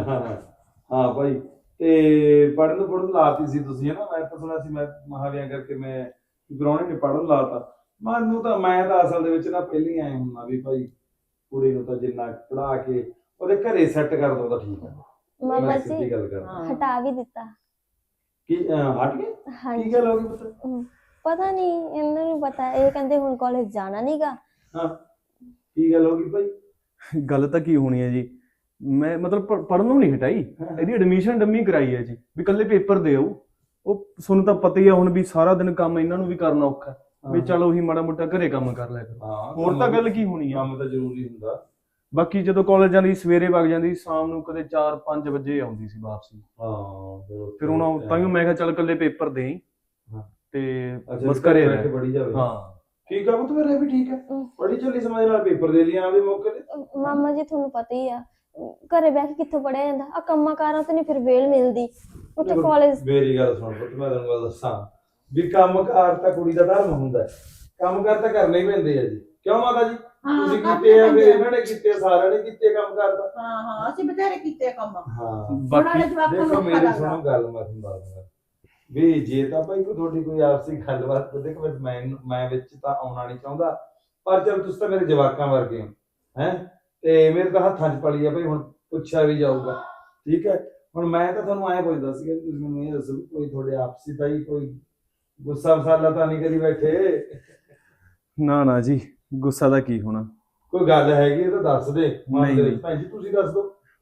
Speaker 5: ਹਾਂ ਭਾਈ, ਤੇ ਪੜ੍ਹਨ ਨੂੰ ਪੜ੍ਹਨ ਲਾਤੀ ਸੀ ਤੁਸੀਂ ਹਨਾ? ਮੈਂ ਤਾਂ ਸੁਣਿਆ ਸੀ, ਮੈਂ ਮਹਾਵਿਆਂ ਕਰਕੇ ਮੈਂ ਗਰਾਉਣੇ ਨੇ ਪੜ੍ਹਨ ਲਾਤਾ। ਮੈਨੂੰ ਤਾਂ ਮੈਂ ਤਾਂ ਅਸਲ ਦੇ ਵਿੱਚ ਨਾ ਪਹਿਲਾਂ ਹੀ ਆਏ ਹੁੰਦਾ ਵੀ ਭਾਈ ਕੁੜੀ ਨੂੰ ਤਾਂ ਜਿੰਨਾ ਪੜ੍ਹਾ ਕੇ ਉਹਦੇ ਘਰੇ ਸੈੱਟ ਕਰ ਦੋ ਤਾਂ ਠੀਕ ਹੈ।
Speaker 1: ਮਾਮਾ
Speaker 5: ਮੈਂ
Speaker 1: ਜੀ
Speaker 5: ਸਿੱਧੀ ਗੱਲ ਕਰਦਾ।
Speaker 1: ਹਟਾ ਵੀ ਦਿੱਤਾ।
Speaker 5: ਕੀ ਅਹ, ਹਟ ਗਏ? ਕੀ
Speaker 1: ਹਾਂਜੀ
Speaker 5: ਗੱਲ ਹੋ ਗਈ ਪੁੱਤ?
Speaker 1: ਹਮ, ਪਤਾ ਨਹੀਂ, ਇਹਨਾਂ ਨੂੰ ਪਤਾ। ਇਹ ਕਹਿੰਦੇ ਹੁਣ ਕਾਲਜ ਜਾਣਾ ਨਹੀਂਗਾ।
Speaker 5: ਹਾਂ ਕੀ ਗੱਲ ਹੋ ਗਈ ਭਾਈ?
Speaker 2: ਗੱਲ ਤਾਂ ਕੀ ਹੋਣੀ ਹੈ ਜੀ, ਮੈਂ ਮਤਲਬ ਪੜ੍ਹਨ ਨੂੰ ਨਹੀਂ ਹਟਾਈ, ਇਹਦੀ ਐਡਮਿਸ਼ਨ ਡੰਮੀ ਕਰਾਈ ਹੈ ਜੀ, ਵੀ ਇਕੱਲੇ ਪੇਪਰ ਦੇ ਆਊ। ਉਹ ਤੁਹਾਨੂੰ ਤਾਂ ਪਤਾ ਹੀ ਆ ਹੁਣ ਵੀ ਸਾਰਾ ਦਿਨ ਕੰਮ ਇਹਨਾਂ ਨੂੰ ਵੀ ਕਰਨਾ ਔਖਾ, ਵੀ ਚਲ ਉਹੀ ਮਾੜਾ ਮੋਟਾ ਘਰੇ ਕੰਮ ਕਰ ਲਿਆ ਕਰੋ।
Speaker 5: ਹਾਂ
Speaker 2: ਹੋਰ ਤਾਂ ਗੱਲ ਕੀ ਹੋਣੀ ਆ।
Speaker 5: ਕੰਮ ਤਾਂ ਜ਼ਰੂਰੀ ਹੁੰਦਾ।
Speaker 2: ਬਾਕੀ ਜਦੋਂ ਕਾਲਜ ਜਾਂਦੀ ਸਵੇਰੇ ਵਗ ਜਾਂਦੀ, ਸ਼ਾਮ ਨੂੰ ਕਦੇ ਚਾਰ ਪੰਜ ਵਜੇ ਆਉਂਦੀ ਸੀ ਵਾਪਸੀ।
Speaker 5: ਹਾਂ
Speaker 2: ਫਿਰ ਹੁਣ ਤਾਂ ਮੈਂ ਕਿਹਾ ਚੱਲ ਇਕੱਲੇ ਪੇਪਰ ਦੇਈ
Speaker 5: ਹਾਂ।
Speaker 2: ਤੇ
Speaker 5: ਅੱਛਾ,
Speaker 2: ਬਸ ਘਰੇ
Speaker 5: ਬੈਠ ਕੇ
Speaker 2: ਰਹਿ।
Speaker 5: ਪੜ੍ਹੀ ਜਾਵੇ।
Speaker 2: ਹਾਂ
Speaker 5: ਠੀਕ ਆ ਪੁੱਤ, ਮੇਰਾ ਵੀ ਠੀਕ ਹੈ।
Speaker 1: ਹਮ।
Speaker 5: ਪੜ੍ਹੀ ਚੱਲੀ ਸਮਝ ਨਾਲ, ਪੇਪਰ ਦੇ ਲਿਆ ਆਦੇ ਮੌਕੇ ਤੇ।
Speaker 1: ਮਾਮਾ ਜੀ ਤੁਹਾਨੂੰ ਪਤਾ ਹੀ ਆ, ਘਰੇ ਬਹਿ ਕੇ ਕਿੱਥੋਂ ਪੜਿਆ ਜਾਂਦਾ ਆ। ਕੰਮਾਂ ਕਾਰਾਂ ਤੇ ਨਹੀਂ ਫਿਰ ਵੇਲ ਮਿਲਦੀ, ਉੱਥੇ
Speaker 5: ਦੇਖੋ,
Speaker 1: ਕਾਲਜ।
Speaker 5: ਮੇਰੀ ਗੱਲ ਸੁਣ ਪੁੱਤ, ਮੈਂ ਤੈਨੂੰ ਗੱਲ ਦੱਸਾਂ ਵੀ ਕੰਮ ਕਾਰ ਤਾਂ ਕੁੜੀ ਦਾ ਧਰਮ ਹੁੰਦਾ ਹੈ, ਕੰਮ ਕਾਰ ਤਾਂ ਕਰਨੇ ਹੀ ਪੈਂਦੇ ਆ ਜੀ। ਕਿਉਂ ਮਾਤਾ ਜੀ? ਤੁਸੀਂ ਕੀਤੇ ਆ, ਫਿਰ ਇਹਨਾਂ ਨੇ ਕੀਤੇ, ਸਾਰਿਆਂ ਨੇ ਕੀਤੇ ਕੰਮ ਕਾਰ ਦਾ।
Speaker 3: ਹਾਂ ਹਾਂ, ਅਸੀਂ ਬਥੇਰੇ ਕੀਤੇ ਕੰਮ।
Speaker 5: ਹਾਂ
Speaker 2: ਬਾਕੀ
Speaker 5: ਦੇਖੋ ਮੇਰੀ ਸੁਣੋ ਗੱਲ, ਮੈਂ ਤੁਹਾਨੂੰ ਦੱਸਦਾ ਵੀ ਜੇ ਤਾਂ ਭਾਈ ਕੋਈ ਤੁਹਾਡੀ ਕੋਈ ਆਪਸੀ ਗੱਲਬਾਤ, ਦੇਖੋ ਮੈਂ ਮੈਂ ਵਿੱਚ ਤਾਂ ਆਉਣਾ ਨਹੀਂ ਚਾਹੁੰਦਾ, ਪਰ ਚਲ ਤੁਸੀਂ ਤਾਂ ਮੇਰੇ ਜਵਾਕਾਂ ਵਰਗੇ ਹੋ ਹੈ, ਤੇ ਮੇਰੇ ਤਾਂ ਹੱਥਾਂ 'ਚ ਪਲੀ ਆ ਭਾਈ, ਹੁਣ ਪੁੱਛਿਆ ਵੀ ਜਾਊਗਾ। ਠੀਕ ਹੈ, ਹੁਣ ਮੈਂ ਤਾਂ ਤੁਹਾਨੂੰ ਐਂ ਪੁੱਛਦਾ ਸੀਗਾ ਵੀ ਤੁਸੀਂ ਮੈਨੂੰ ਇਹ ਦੱਸੋ ਵੀ ਕੋਈ ਤੁਹਾਡੇ ਆਪਸੀ ਤਾਂ ਹੀ ਕੋਈ ਗੁੱਸਾ ਮਸਾਲਾ ਤਾਂ ਨਹੀਂ ਕਰੀ ਬੈਠੇ?
Speaker 2: ਨਾ ਨਾ ਜੀ, ਗੁੱਸਾ ਦਾ ਕੀ ਹੋਣਾ।
Speaker 5: ਕੋਈ ਗੱਲ ਹੈਗੀ ਤਾਂ ਦੱਸ ਦੇ।
Speaker 2: ਨਹੀਂ, ਨਹੀਂ।
Speaker 5: ਭੈਣ ਜੀ ਤੁਸੀਂ ਦੱਸ ਦਿਓ।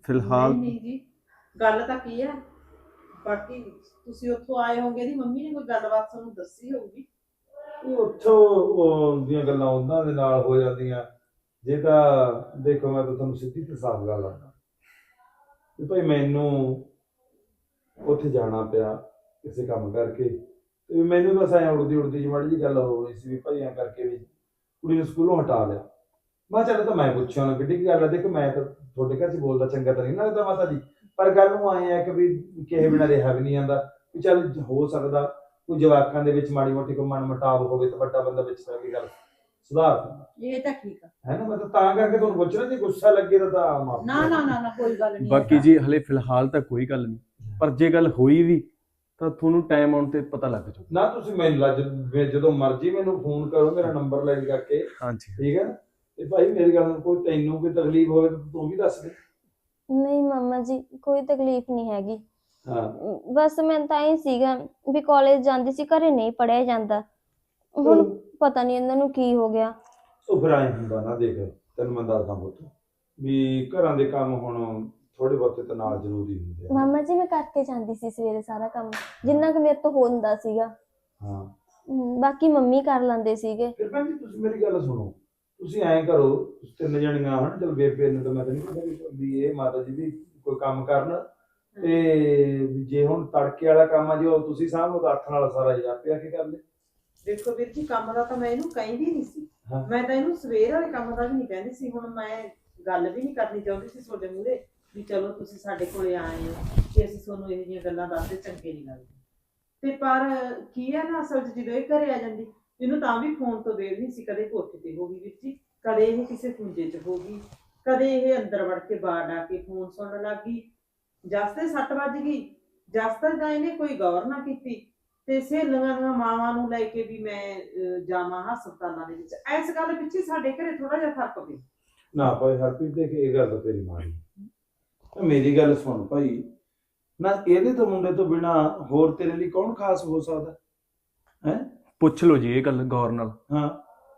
Speaker 2: ਫਿਲਹਾਲ
Speaker 4: ਨਹੀਂ ਨਹੀਂ ਜੀ, ਗੱਲ ਤਾਂ ਕੀ ਹੈ, ਬਾਕੀ ਤੁਸੀਂ ਉੱਥੋਂ ਆਏ ਹੋਗੇ ਦੀ ਮੰਮੀ ਨੇ ਕੋਈ ਗੱਲਬਾਤ ਤੁਹਾਨੂੰ ਦੱਸੀ ਹੋਊਗੀ।
Speaker 5: ਉਹ ਉੱਥੋਂ ਉਹ ਦੀਆਂ ਗੱਲਾਂ ਉਹਨਾਂ ਦੇ ਨਾਲ ਹੋ ਜਾਂਦੀਆਂ। ਜੇ ਤਾਂ ਦੇਖੋ, ਮੈਂ ਤਾਂ ਤੁਹਾਨੂੰ ਸਿੱਧੀ ਤੇ ਸਾਫ਼ ਗੱਲ ਆਉਂਦਾ ਵੀ ਭਾਈ ਮੈਨੂੰ ਉੱਥੇ ਜਾਣਾ ਪਿਆ ਕਿਸੇ ਕੰਮ ਕਰਕੇ, ਤੇ ਮੈਨੂੰ ਬਸ ਐਂ ਉੜਦੀ ਉੜਦੀ ਜਿਹੀ ਮਾੜੀ ਜਿਹੀ ਗੱਲ ਹੋ ਰਹੀ ਸੀ ਵੀ ਭਾਈ ਐਂ ਕਰਕੇ ਵੀ ਕੁੜੀ ਨੂੰ ਸਕੂਲੋਂ ਹਟਾ ਲਿਆ। ਮੈਂ ਕਿਹਾ ਚੱਲ ਤਾਂ ਮੈਂ ਪੁੱਛਿਆ ਉਹਨੂੰ ਕਿੱਡੀ ਕੀ ਗੱਲ ਹੈ। ਦੇਖੋ ਮੈਂ ਤਾਂ ਤੁਹਾਡੇ ਘਰ 'ਚ ਬੋਲਦਾ ਚੰਗਾ ਤਾਂ ਨਹੀਂ ਲੱਗਦਾ ਮਾਤਾ ਜੀ, ਪਰ ਗੱਲ ਨੂੰ ਆਏ ਆ ਕਿ ਵੀ ਕਿਸੇ ਬਿਨਾਂ ਰਿਹਾ ਵੀ ਨਹੀਂ ਜਾਂਦਾ, ਵੀ ਚੱਲ ਹੋ ਸਕਦਾ ਕੋਈ ਜਵਾਕਾਂ ਦੇ ਵਿੱਚ ਮਾੜੀ ਮੋਟੀ ਕੋਈ ਮਨ ਮੁਟਾਵ ਹੋਵੇ ਤਾਂ ਵੱਡਾ ਬੰਦਾ ਵਿੱਚ ਰਹਿ ਕੇ ਗੱਲ ਸੁਧਾਰ ਦਿੰਦਾ
Speaker 3: ਇਹ ਤਾਂ ਠੀਕ ਆ।
Speaker 5: ਹੈ ਨਾ। ਮੈਂ ਤਾਂ ਤਾਂ ਕਰਕੇ ਤੁਹਾਨੂੰ ਪੁੱਛ ਰਿਹਾ, ਜੇ ਗੁੱਸਾ ਲੱਗੇ ਤਾਂ ਤਾਂ ਮਾਫ
Speaker 3: ਨਾ ਨਾ ਨਾ ਨਾ ਕੋਈ ਗੱਲ ਨਹੀਂ।
Speaker 2: ਬਾਕੀ ਜੀ ਹਲੇ ਫਿਲਹਾਲ ਤਾਂ ਕੋਈ ਗੱਲ ਨਹੀਂ, ਪਰ ਜੇ ਗੱਲ ਹੋਈ ਵੀ ਤਾਂ ਤੁਹਾਨੂੰ ਟਾਈਮ ਆਉਣ ਤੇ ਪਤਾ ਲੱਗ ਜਾਊ।
Speaker 5: ਨਾ ਤੁਸੀਂ ਮੈਨੂੰ ਲੱਜ ਜਦੋਂ ਮਰਜ਼ੀ ਮੈਨੂੰ ਫੋਨ ਕਰੋ, ਮੇਰਾ ਨੰਬਰ ਲੈ ਕਰਕੇ,
Speaker 2: ਹਾਂਜੀ
Speaker 5: ਠੀਕ ਹੈ ਨਾ। ਤੇ ਭਾਈ ਮੇਰੀ ਗੱਲ ਨੂੰ ਕੋਈ ਤੈਨੂੰ ਕੋਈ ਤਕਲੀਫ ਹੋਵੇ ਤਾਂ ਤੂੰ ਵੀ ਦੱਸ ਦੇ।
Speaker 1: ਨਹੀਂ ਮਾਮਾ ਜੀ, ਕੋਈ ਤਕਲੀਫ ਨਹੀਂ ਹੈਗੀ।
Speaker 5: ਹਾਂ
Speaker 1: ਬਸ ਮੈਂ ਤਾਂ ਹੀ ਸੀਗਾ ਵੀ ਕਾਲਜ ਜਾਂਦੀ ਸੀ, ਘਰੇ ਨਹੀਂ ਪੜਿਆ ਜਾਂਦਾ। ਹੁਣ ਪਤਾ ਨਹੀਂ ਇਹਨਾਂ ਨੂੰ ਕੀ ਹੋ ਗਿਆ।
Speaker 5: ਉਹ ਫਿਰ ਐਂ ਹੁੰਦਾ ਨਾ, ਦੇਖ ਤੈਨੂੰ ਮੈਂ ਦੱਸਦਾ ਪੁੱਤ ਵੀ ਘਰਾਂ ਦੇ ਕੰਮ ਹੁਣ ਥੋੜੇ ਬਹੁਤੇ ਤਾਂ ਨਾਲ ਜ਼ਰੂਰੀ ਹੁੰਦੇ ਆ।
Speaker 1: ਮਾਮਾ ਜੀ ਮੈਂ ਕਰਕੇ ਜਾਂਦੀ ਸੀ ਸਵੇਰੇ ਸਾਰਾ ਕੰਮ, ਜਿੰਨਾ ਕੁ ਮੇਰੇ ਤੋਂ ਹੁੰਦਾ ਸੀਗਾ।
Speaker 5: ਹਾਂ
Speaker 1: ਹਮ, ਬਾਕੀ ਮੰਮੀ ਕਰ ਲੈਂਦੇ ਸੀਗੇ।
Speaker 5: ਫਿਰ ਭੈਣ ਜੀ ਤੁਸੀਂ ਮੇਰੀ ਗੱਲ ਸੁਣੋ, ਤੁਸੀਂ ਐਂ ਕਰੋ, ਤੁਸੀਂ ਤਿੰਨ ਜਣੀਆਂ ਹਨ, ਚਲ ਬੇਬੇ ਨੂੰ ਤਾਂ ਮੈਂ ਤਾਂ ਨਹੀਂ ਕਹਿੰਦਾ ਵੀ ਇਹ ਮਾਤਾ ਜੀ ਵੀ ਕੋਈ ਕੰਮ ਕਰਨ, ਤੇ ਜੇ ਹੁਣ ਤੜਕੇ ਵਾਲਾ ਕੰਮ ਆ ਜੇ ਉਹ ਤੁਸੀਂ ਸਾਹਮਣੇ ਤਾਂ ਹੱਥ ਨਾਲ ਸਾਰਾ ਹੀ ਆਪੇ ਆ ਕੇ ਕਰ ਲੈ।
Speaker 4: ਦੇਖੋ ਵੀਰ ਜੀ, ਕੰਮ ਦਾ ਤਾਂ ਮੈਂ ਇਹਨੂੰ ਕਹਿੰਦੀ ਨਹੀਂ ਸੀ,
Speaker 5: ਹਾਂ।
Speaker 4: ਮੈਂ ਤਾਂ ਇਹਨੂੰ ਸਵੇਰ ਵਾਲੇ ਕੰਮ ਦਾ ਵੀ ਨਹੀਂ ਕਹਿੰਦੀ ਸੀ। ਹੁਣ ਮੈਂ ਗੱਲ ਵੀ ਨਹੀਂ ਕਰਨੀ ਚਾਹੁੰਦੀ ਸੀ ਤੁਹਾਡੇ ਮੂਹਰੇ ਵੀ ਚਲੋ ਤੁਸੀਂ ਸਾਡੇ ਕੋਲੇ ਆਏ ਹੋ ਕਿ ਅਸੀਂ ਤੁਹਾਨੂੰ ਇਹ ਜਿਹੀਆਂ ਗੱਲਾਂ ਦੱਸਦੇ ਚੰਗੇ ਨਹੀਂ ਲੱਗਦੇ। ਤੇ ਪਰ ਕੀ ਹੈ ਨਾ, ਅਸਲ 'ਚ ਜਦੋਂ ਇਹ ਘਰੇ ਆ ਜਾਂਦੀ, ਇਹਨੂੰ ਤਾਂ ਵੀ ਫੋਨ ਤੋਂ ਵੇਲ ਨਹੀਂ ਸੀ। ਕਦੇ ਕੋਠੇ ਤੇ ਹੋ ਗਈ ਵੀਰ ਜੀ, ਕਦੇ ਇਹ ਕਿਸੇ ਖੁੰਝੇ 'ਚ ਹੋ ਗਈ, ਕਦੇ ਇਹ ਅੰਦਰ ਵੜ ਕੇ ਬਾਹਰ ਆ ਕੇ ਫੋਨ ਸੁਣਨ ਲੱਗ ਗਈ। ਜਸ ਤੇ ਸੱਟ ਵੱਜ ਗਈ, ਜਸ ਤੇ ਤਾਂ ਇਹਨੇ ਕੋਈ ਗੌਰ ਨਾ ਕੀਤੀ, ਤੇ ਸਹੇਲੀਆਂ ਦੀਆਂ ਮਾਵਾਂ ਨੂੰ ਲੈ ਕੇ ਵੀ ਮੈਂ ਅਹ, ਜਾਵਾਂ ਹਸਪਤਾਲਾਂ ਦੇ ਵਿੱਚ। ਇਸ ਗੱਲ ਪਿੱਛੇ ਸਾਡੇ ਘਰੇ ਥੋੜਾ ਜਿਹਾ ਫਰਕ ਪਿਆ।
Speaker 5: ਨਾ ਭਾਈ ਹਰਪ੍ਰੀਤ, ਦੇਖ ਇਹ ਗੱਲ ਤਾਂ ਤੇਰੀ ਮਾੜੀ, ਤਾਂ ਮੇਰੀ ਗੱਲ ਸੁਣ ਭਾਈ, ਨਾ ਇਹਦੇ ਤੋਂ ਮੁੰਡੇ ਤੋਂ ਬਿਨਾ ਹੋਰ ਤੇਰੇ ਲਈ ਕੌਣ ਖਾਸ ਹੋ ਸਕਦਾ ਹੈ।
Speaker 2: ਪੁੱਛ ਲਓ ਜੀ ਇਹ ਗੱਲ ਗੌਰ ਨਾਲ।
Speaker 5: ਹਾਂ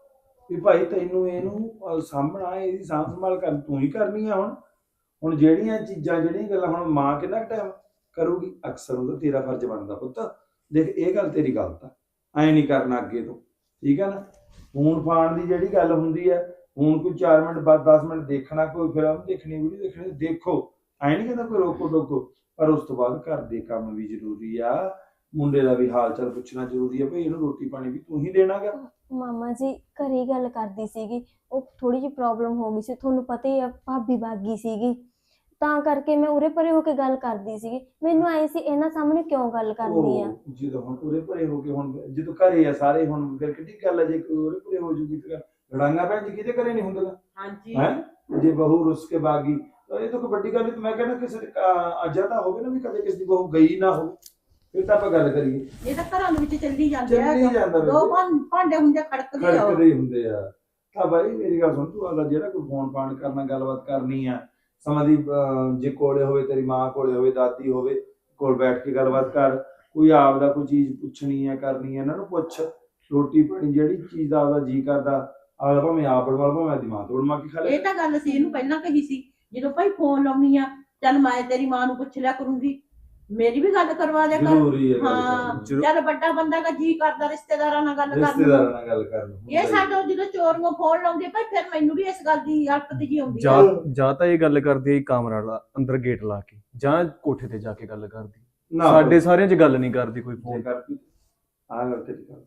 Speaker 5: ਵੀ ਭਾਈ ਤੈਨੂੰ ਇਹਨੂੰ ਅਹ, ਸਾਂਭਣਾ, ਇਹਦੀ ਸਾਂਭ ਸੰਭਾਲ ਕਰ ਤੂੰ ਹੀ ਕਰਨੀ ਆ। ਹੁਣ ਹੁਣ ਜਿਹੜੀਆਂ ਚੀਜ਼ਾਂ ਜਿਹੜੀਆਂ ਗੱਲਾਂ ਹੁਣ ਮਾਂ ਕਿੰਨਾ ਟਾਈਮ ਕਰੂਗੀ, ਅਕਸਰ ਉਹਦਾ ਤੇਰਾ ਫਰਜ਼ ਬਣਦਾ ਪੁੱਤ। ਦੇਖ ਇਹ ਗੱਲ ਤੇਰੀ ਗਲਤ ਆ, ਐਂ ਨਹੀਂ ਕਰਨਾ ਅੱਗੇ ਤੋਂ, ਠੀਕ ਹੈ ਨਾ। ਫੋਨ ਫਾਨ ਦੀ ਜਿਹੜੀ ਗੱਲ ਹੁੰਦੀ ਹੈ, ਹੁਣ ਕੋਈ ਚਾਰ ਮਿੰਟ ਬਾਅਦ ਦਸ ਮਿੰਟ ਦੇਖਣਾ, ਕੋਈ ਫਿਲਮ ਦੇਖਣੀ, ਵੀਡੀਓ ਦੇਖਣੀ, ਦੇਖੋ, ਐਂ ਨਹੀਂ ਕਹਿੰਦਾ ਕੋਈ ਰੋਕੋ ਟੋਕੋ, ਪਰ ਉਸ ਤੋਂ ਬਾਅਦ ਘਰ ਦੇ ਕੰਮ ਵੀ ਜ਼ਰੂਰੀ ਆ, ਮੁੰਡੇ ਦਾ ਵੀ ਹਾਲ ਚਾਲ ਪੁੱਛਣਾ ਜ਼ਰੂਰੀ ਆ। ਭਾਈ ਇਹਨੂੰ ਰੋਟੀ ਪਾਣੀ ਵੀ ਤੂੰ ਹੀ ਦੇਣਾਗਾ।
Speaker 1: ਮਾਮਾ ਜੀ ਘਰੇ ਗੱਲ ਕਰਦੀ ਸੀਗੀ, ਉਹ ਥੋੜੀ ਜਿਹੀ ਪ੍ਰੋਬਲਮ ਹੋ ਗਈ ਸੀ, ਤੁਹਾਨੂੰ ਪਤਾ ਹੀ ਆ, ਭਾਬੀ ਬਾਗੀ ਸੀਗੀ, ਤਾਂ ਕਰਕੇ ਮੈਂ ਉਰੇ ਪਰੇ ਹੋ ਕੇ ਗੱਲ ਕਰਦੀ ਸੀਗੀ। ਮੈਨੂੰ ਆਏ ਸੀ ਇਹਨਾਂ ਸਾਹਮਣੇ ਕਿਉਂ ਗੱਲ ਕਰਦੀ ਆ।
Speaker 5: ਉਹ ਜਦੋਂ ਹੁਣ ਉਰੇ ਭਰੇ ਹੋ ਕੇ, ਹੁਣ ਜਦੋਂ ਘਰੇ ਆ ਸਾਰੇ, ਹੁਣ ਫਿਰ ਕਿੱਡੀ ਗੱਲ ਆ ਜੇ ਕੋਈ ਉਰੇ ਭਰੇ ਹੋ ਜੂਗੀ ਫਿਰ ਲੜਾਈਆਂ ਭੈਣ ਜੀ ਕਿਹਦੇ ਘਰੇ ਨਹੀਂ ਹੁੰਦੀਆਂ
Speaker 4: ਹਾਂਜੀ
Speaker 5: ਹੈ। ਜੇ ਬਹੂ ਰੁੱਸ ਕੇ ਬਾਗੀ ਤਾਂ ਇਹ ਤਾਂ ਕੋਈ ਵੱਡੀ ਗੱਲ ਨਹੀਂ। ਮੈਂ ਕਹਿੰਦਾ ਕਿਸੇ ਅਜਾ ਤਾਂ ਹੋਵੇ ਨਾ ਵੀ ਕਦੇ ਕਿਸੇ ਦੀ ਬਹੂ ਗਈ ਨਾ ਹੋਵੇ, ਫਿਰ ਤਾਂ ਆਪਾਂ ਗੱਲ ਕਰੀਏ।
Speaker 3: ਇਹ ਤਾਂ ਘਰਾਂ ਦੇ ਵਿੱਚ ਚੱਲੀ ਜਾਂਦੇ ਆ,
Speaker 5: ਚੱਲੀ ਜਾਂਦਾ
Speaker 3: ਦੋ
Speaker 5: ਬੇਬੇ,
Speaker 3: ਭਾਂ- ਭਾਂਡੇ ਹੁੰਦੇ ਖੜਕਦੇ ਆ।
Speaker 5: ਖੜਕਦੇ ਹੀ ਹੁੰਦੇ ਆ। ਤਾਂ ਬਾਈ ਮੇਰੀ ਗੱਲ ਸੁਣ, ਤੂੰ ਆਦਾ ਜਿਹੜਾ ਕੋਈ ਫੋਨ ਫਾਨ ਕਰਨਾ, ਗੱਲਬਾਤ ਕਰਨੀ ਆ, ਸਮਾਂ ਦੀ ਅਹ, ਜੇ ਕੋਲੇ ਹੋਵੇ, ਤੇਰੀ ਮਾਂ ਕੋਲੇ ਹੋਵੇ, ਦਾਦੀ ਹੋਵੇ, ਕੋਲ ਬੈਠ ਕੇ ਗੱਲਬਾਤ ਕਰ। ਕੋਈ ਆਪਦਾ ਕੋਈ ਚੀਜ਼ ਪੁੱਛਣੀ ਹੈ, ਕਰਨੀ ਹੈ, ਇਹਨਾਂ ਨੂੰ ਪੁੱਛ। ਰੋਟੀ ਪਾਣੀ ਜਿਹੜੀ ਚੀਜ਼ ਦਾ ਆਪਦਾ ਜੀ ਕਰਦਾ, ਆਪਦਾ ਭਾਵੇਂ ਆਪ ਬਣਵਾ ਲਓ, ਭਾਵੇਂ ਦਿਮਾਗ ਤੋਂ ਬਣਵਾ ਕੇ ਖਾ ਲੈ।
Speaker 3: ਇਹ ਤਾਂ ਗੱਲ ਸੀ ਇਹਨੂੰ ਪਹਿਲਾਂ ਕਹੀ ਸੀ, ਜਦੋਂ ਭਾਈ ਫੋਨ ਲਾਉਣੀ ਆ, ਚੱਲ ਮੈਂ ਤੇਰੀ ਮਾਂ ਨੂੰ ਪੁੱਛ ਲਿਆ ਕਰੂੰਗੀ, ਮੇਰੀ ਵੀ ਗੱਲ ਕਰਵਾ ਦਿਆ ਕਰ।
Speaker 5: ਜ਼ਰੂਰੀ ਹੈ ਗੱਲ
Speaker 3: ਹਾਂ
Speaker 5: ਕਰਨੀ।
Speaker 2: ਜ਼ਰੂਰ।
Speaker 3: ਚੱਲ ਵੱਡਾ ਬੰਦਾ ਦਾ ਜੀ ਕਰਦਾ ਰਿਸ਼ਤੇਦਾਰਾਂ ਨਾਲ ਗੱਲ ਕਰਨ
Speaker 5: ਰਿਸ਼ਤੇਦਾਰਾਂ
Speaker 3: ਨੂੰ।
Speaker 5: ਨਾਲ ਗੱਲ ਕਰਨ ਨੂੰ।
Speaker 3: ਇਹ ਸਾਡਾ ਜਦੋਂ ਚੋਰੀਆਂ ਫੋਨ ਲਾਉਂਦੇ ਭਾਈ, ਫਿਰ ਮੈਨੂੰ ਵੀ ਇਸ ਗੱਲ ਦੀ ਹਲਕਤ ਜੀ ਆਉਂਦੀ ਆ।
Speaker 2: ਜਾਂ ਜਾਂ ਤਾਂ ਇਹ ਗੱਲ ਕਰਦੀ ਹੈ ਕਮਰਾ ਵਾਲਾ ਅੰਦਰ ਗੇਟ ਲਾ ਕੇ, ਜਾਂ ਕੋਠੇ ਤੇ ਜਾ ਕੇ ਗੱਲ ਕਰਦੀ।
Speaker 5: ਨਾ
Speaker 2: ਸਾਡੇ ਸਾਰਿਆਂ 'ਚ ਗੱਲ ਨਹੀਂ ਕਰਦੀ ਕੋਈ ਫੋਨ।
Speaker 5: ਕਰਦੀ ਆਹ ਗੱਲ ਤੇਰੀ ਗੱਲ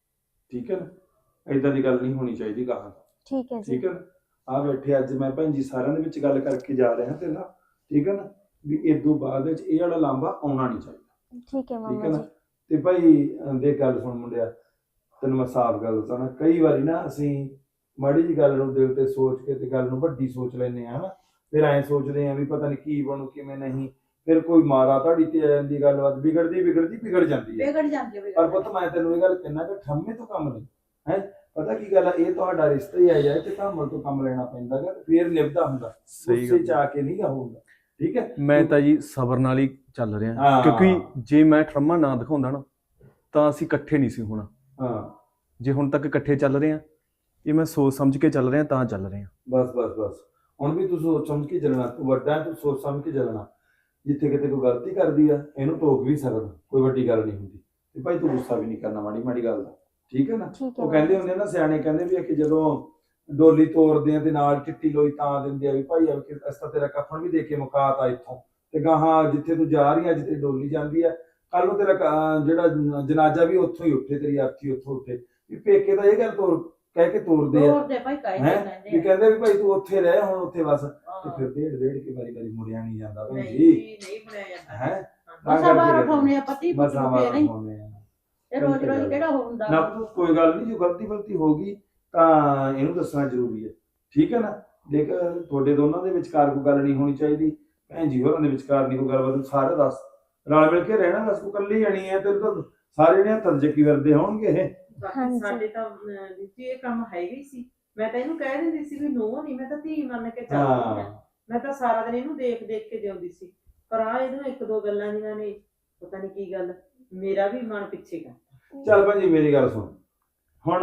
Speaker 5: ਠੀਕ ਹੈ ਨਾ, ਏਦਾਂ ਦੀ ਗੱਲ ਨਹੀਂ ਹੋਣੀ ਚਾਹੀਦੀ ਕਹਾਂ।
Speaker 1: ਠੀਕ ਹੈ ਜੀ।
Speaker 5: ਠੀਕ ਹੈ ਨਾ, ਆ ਬੈਠੇ ਅੱਜ ਮੈਂ ਭੈਣ ਜੀ ਸਾਰਿਆਂ ਦੇ ਵਿੱਚ ਗੱਲ ਕਰਕੇ ਜਾ ਰਿਹਾ ਤੇ ਨਾ, ਠੀਕ ਹੈ ਨਾ, ਵੀ ਇਦੋਂ ਬਾਅਦ ਵਿੱਚ ਇਹ ਵਾਲਾ ਲਾਂਭਾ ਆਉਣਾ ਨਹੀਂ ਚਾਹੀਦਾ।
Speaker 1: ਠੀਕ ਹੈ
Speaker 5: ਠੀਕ
Speaker 1: ਮਾਮਾ
Speaker 5: ਹੈ ਨਾ।
Speaker 1: ਜੀ।
Speaker 5: ਤੇ ਭਾਈ ਦੇਖ ਗੱਲ ਸੁਣ ਮੁੰਡਿਆ, ਤੈਨੂੰ ਮੈਂ ਸਾਫ਼ ਗੱਲ ਦੱਸਾਂ ਨਾ, ਕਈ ਵਾਰੀ ਨਾ ਅਸੀਂ ਮਾੜੀ ਜੀ ਗੱਲ ਨੂੰ ਦਿਲ ਤੇ ਸੋਚ ਕੇ ਤੇ ਗੱਲ ਨੂੰ ਵੱਡੀ ਸੋਚ ਲੈਂਦੇ ਆ ਹਨਾ। ਫਿਰ ਐਂ ਸੋਚਦੇ ਆ ਵੀ ਪਤਾ ਨਹੀਂ ਕੀ ਬਣੂ ਕਿਵੇਂ ਨਹੀਂ, ਫਿਰ ਕੋਈ ਮਾਰਾ ਧਾੜੀ ਤੇ ਆ ਜਾਂਦੀ, ਗੱਲਬਾਤ ਵਿਗੜਦੀ ਵਿਗੜਦੀ ਵਿਗੜ ਜਾਂਦੀ ਹੈ।
Speaker 3: ਵਿਗੜ ਜਾਂਦੀ ਹੈ।
Speaker 5: ਪਰ ਪੁੱਤ ਮੈਂ ਤੈਨੂੰ ਇਹ ਗੱਲ ਕਹਿਣਾ ਕਿ ਠੰਮੇ ਤੋਂ ਕੰਮ ਨਹੀਂ ਹੈ। ਪਤਾ ਕੀ ਗੱਲ ਆ, ਇਹ ਤੁਹਾਡਾ ਰਿਸ਼ਤਾ ਹੀ ਆ ਜਾਏ ਤੇ ਧਾਮਲ ਤੋਂ ਕੰਮ ਲੈਣਾ ਪੈਂਦਾ ਗਾ, ਫਿਰ ਨਿਭਦਾ ਹੁੰਦਾ।
Speaker 2: ਸਹੀ
Speaker 5: ਗੁੱਸੇ
Speaker 2: ਗੱਲ
Speaker 5: ਚ ਆ ਕੇ ਨਹੀਂ ਹੋਊਗਾ, ਠੀਕ ਹੈ।
Speaker 2: ਮੈਂ ਤਾਂ ਜੀ ਸਬਰ ਨਾਲ ਹੀ ਚੱਲ ਰਿਹਾ,
Speaker 5: ਹਾਂ।
Speaker 2: ਕਿਉਂਕਿ ਜੇ ਮੈਂ ਠਰਮਾ ਨਾ ਦਿਖਾਉਂਦਾ ਨਾ ਤਾਂ ਅਸੀਂ ਇਕੱਠੇ ਨਹੀਂ ਸੀ ਹੋਣਾ।
Speaker 5: ਹਾਂ
Speaker 2: ਜੇ ਹੁਣ ਤੱਕ ਇਕੱਠੇ ਚੱਲ ਰਹੇ ਆ, ਇਹ ਮੈਂ ਸੋਚ ਸਮਝ ਕੇ ਚੱਲ ਰਿਹਾ ਤਾਂ ਚੱਲ ਰਹੇ ਆ।
Speaker 5: ਬਸ ਬਸ ਬਸ ਹੁਣ ਵੀ ਤੂੰ ਸੋਚ ਸਮਝ ਕੇ ਚੱਲਣਾ, ਤੂੰ ਵੱਡਾ ਹੈ, ਤੂੰ ਸੋਚ ਸਮਝ ਕੇ ਚੱਲਣਾ। ਜਿੱਥੇ ਕਿਤੇ ਕੋਈ ਗਲਤੀ ਕਰਦੀ ਆ ਇਹਨੂੰ ਟੋਕ ਵੀ ਸਕਦਾ, ਕੋਈ ਵੱਡੀ ਗੱਲ ਨਹੀਂ ਹੁੰਦੀ। ਤੇ ਭਾਈ ਤੂੰ ਗੁੱਸਾ ਵੀ ਨਹੀਂ ਕਰਨਾ ਮਾੜੀ ਮਾੜੀ ਗੱਲ ਦਾ, ਠੀਕ ਹੈ ਨਾ।
Speaker 1: ਠੀਕ ਹੈ
Speaker 5: ਉਹ ਕਹਿੰਦੇ ਹੁੰਦੇ ਨਾ ਸਿਆਣੇ ਕਹਿੰਦੇ ਵੀ ਆ ਕਿ ਜਦੋਂ ਡੋਲੀ ਤੋਰਦੇ ਆ ਤੇ ਨਾਲ ਚਿੱਟੀ ਲੋਈ ਤਾਂ ਦਿੰਦੇ ਆ ਵੀ ਭਾਈ ਆ ਕਿ ਅਸੀਂ ਤਾਂ ਤੇਰਾ ਕਫਨ ਵੀ ਦੇ ਕੇ ਮੁਕਾਤਾ ਇੱਥੋਂ, ਤੇ ਗਾਹਾਂ ਜਿੱਥੇ ਤੂੰ ਜਾ ਰਹੀ ਆ ਜਿੱਥੇ ਡੋਲੀ ਜਾਂਦੀ ਆ ਕੱਲ ਨੂੰ ਤੇਰਾ ਕ- ਜਿਹੜਾ ਜਨਾਜ਼ਾ ਵੀ ਉੱਥੋਂ ਹੀ ਉੱਠੇ, ਤੇਰੀ ਅਰਥੀ ਉੱਥੋਂ ਉੱਠੇ। ਵੀ ਪੇਕੇ ਤਾਂ ਇਹ ਗੱਲ ਤੋਰ ਕਹਿ ਕੇ ਤੋਰਦੇ ਆ
Speaker 3: ਹੋਰ ਦੇ ਭਾਈ ਕਾਇਦੇ
Speaker 5: ਹੈਂ?
Speaker 3: ਕਹਿੰਦੇ
Speaker 5: ਵੀ
Speaker 3: ਆ।
Speaker 5: ਕਹਿੰਦੇ ਵੀ ਭਾਈ ਤੂੰ ਉੱਥੇ ਰਹਿ ਹੁਣ ਉੱਥੇ ਬਸ। ਤੇ
Speaker 3: ਹਾਂ।
Speaker 5: ਫਿਰ ਡੇਢ ਡੇਢ ਕੇ ਵਾਰੀ ਵਾਰੀ ਮੁੜਿਆ ਨਹੀਂ ਜਾਂਦਾ ਭੈਣ
Speaker 4: ਨਹੀਂ
Speaker 5: ਜੀ,
Speaker 4: ਜੀ, ਨਹੀਂ ਬਣਾਇਆ ਜਾਂਦਾ।
Speaker 5: ਹੈ
Speaker 3: ਮਸਾਂ ਬਾਹਰ ਉਠਾਉਣੇ ਆ ਪਤੀ ਪੁੱਤ
Speaker 5: ਮਸਾਂ
Speaker 3: ਨੂੰ
Speaker 5: ਬਾਹਰ
Speaker 3: ਫੇਰ ਹੀ।
Speaker 5: ਉਠਾਉਣੇ ਆ।
Speaker 3: ਇਹ ਰੋਜ਼ ਰੋਜ਼ ਕਿਹੜਾ ਹੁੰਦਾ
Speaker 5: ਨਾ ਤੂੰ ਕੋਈ ਗੱਲ ਨਹੀਂ, ਜੋ ਗਲਤੀ ਗਲਤੀ ਹੋ ਗਈ ਤਾਂ ਇਹਨੂੰ ਦੱਸਣਾ ਜ਼ਰੂਰੀ ਹੈ, ਠੀਕ ਹੈ ਨਾ। ਦੇਖ ਤੁਹਾਡੇ ਦੋਨਾਂ ਦੇ ਵਿਚਕਾਰ ਕੋਈ ਗੱਲ ਨਹੀਂ ਹੋਣੀ ਚਾਹੀਦੀ, ਭੈਣ ਜੀ ਹੋਰਾਂ ਦੇ ਵਿਚਕਾਰ ਨਹੀਂ ਕੋਈ ਗੱਲ, ਤੂੰ ਸਾਰੇ ਦੱਸ ਰਲ ਮਿਲ ਕੇ ਰਹਿਣਾ। ਦੱਸ ਤੂੰ ਇਕੱਲੀ ਜਾਣੀ ਹੈ, ਤੈਨੂੰ ਤਾਂ ਸਾਰੇ ਜਣੇ ਹੱਥ ਚੱਕੀ ਫਿਰਦੇ ਹੋਣਗੇ ਇਹ।
Speaker 4: ਬਾਕੀ
Speaker 1: ਹਾਂਜੀ।
Speaker 4: ਸਾਡੇ ਤਾਂ ਅਹ, ਵਿੱਚ ਇਹ ਕੰਮ ਹੈਗਾ ਹੀ ਸੀ। ਮੈਂ ਤਾਂ ਇਹਨੂੰ ਕਹਿ ਦਿੰਦੀ ਸੀ ਵੀ ਨੂੰਹ ਨਹੀਂ, ਮੈਂ ਤਾਂ ਧੀ ਮੰਨ ਕੇ ਚੱਲਦੀ
Speaker 5: ਹਾਂ
Speaker 4: ਹਾਂ। ਮੈਂ ਤਾਂ ਸਾਰਾ ਦਿਨ ਇਹਨੂੰ ਦੇਖ ਦੇਖ ਕੇ ਜਿਉਂਦੀ ਸੀ, ਪਰ ਆ ਇਹਨੂੰ ਇੱਕ ਦੋ ਗੱਲਾਂ ਜਿਹੀਆਂ ਨੇ ਪਤਾ ਨਹੀਂ ਕੀ ਗੱਲ ਮੇਰਾ ਵੀ ਮਨ ਪਿੱਛੇ ਕਰ।
Speaker 5: ਚੱਲ ਭੈਣ ਜੀ ਮੇਰੀ ਗੱਲ ਸੁਣ, ਹੁਣ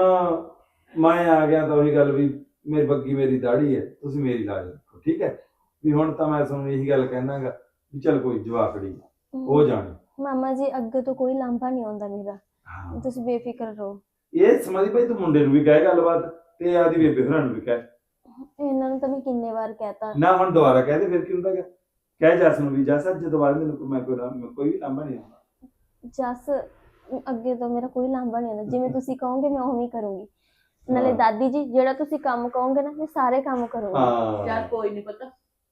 Speaker 5: ਮੈਂ ਆ ਗਿਆ ਤਾਂ ਉਹੀ ਗੱਲ ਵੀ ਮੇਰੀ ਬੱਗੀ ਮੇਰੀ ਦਾੜੀ ਹੈ, ਤੁਸੀਂ ਮੇਰੀ ਲਾਜ ਰੱਖੋ, ਠੀਕ ਹੈ। ਵੀ ਹੁਣ ਤਾਂ ਮੈਂ ਤੁਹਾਨੂੰ ਇਹੀ ਗੱਲ ਕਹਿਣਾਗਾ ਵੀ ਚੱਲ ਕੋਈ ਜਵਾਕੜੀ ਹੋ ਜਾਣੀ।
Speaker 1: ਮਾਮਾ ਜੀ ਅੱਗੇ ਤੋਂ ਕੋਈ ਲਾਂਭਾ ਨਹੀਂ ਆਉਂਦਾ ਮੇਰਾ,
Speaker 5: ਹਾਂ
Speaker 1: ਤੁਸੀਂ ਬੇਫਿਕਰ ਰਹੋ।
Speaker 5: ਇਹ ਸਮਝੀ ਭਾਈ ਤੂੰ ਮੁੰਡੇ ਨੂੰ ਵੀ ਕਹਿ ਗੱਲਬਾਤ ਤੇ ਆਦੀ ਬੇਬੇ ਹੋਰਾਂ ਨੂੰ ਵੀ ਕਹਿ।
Speaker 1: ਇਹਨਾਂ ਨੂੰ ਤਾਂ ਮੈਂ ਕਿੰਨੇ ਵਾਰ ਕਹਿਤਾ।
Speaker 5: ਨਾ ਹੁਣ ਦੁਬਾਰਾ ਕਹਿ ਦੇ ਫਿਰ ਕੀ ਹੁੰਦਾ ਗਾ। ਕਹਿ ਜੱਸ ਨੂੰ ਵੀ ਜੱਸ ਅੱਜ ਦੁਬਾਰਾ ਮੈਨੂੰ ਕੋਈ- ਮੈਂ ਕੋਈ ਨਾ- ਮੈਂ ਕੋਈ ਵੀ ਲਾਂਭਾ ਨਹੀਂ ਆਉਂਦਾ।
Speaker 1: ਜੱਸ ਅੱਗੇ ਤੋਂ ਮੇਰਾ ਕੋਈ ਲਾਂਭਾ ਨਹੀਂ ਆਉਂਦਾ, ਜਿਵੇਂ ਤੁਸੀਂ ਕਹੋਗੇ ਮੈਂ ਉਵੇਂ ਹੀ ਕਰੂੰਗੀ। ਨਾਲੇ
Speaker 5: ਹਾਂ।
Speaker 1: ਦਾਦੀ ਜੀ ਜਿਹੜਾ ਤੁਸੀਂ ਕੰਮ ਕਹੋਗੇ ਨਾ ਮੈਂ ਸਾਰੇ ਕੰਮ ਕਰੂੰਗੀ।
Speaker 3: ਯਾਰ
Speaker 5: ਹਾਂ
Speaker 3: ਕੋਈ ਨਹੀਂ ਪਤਾ।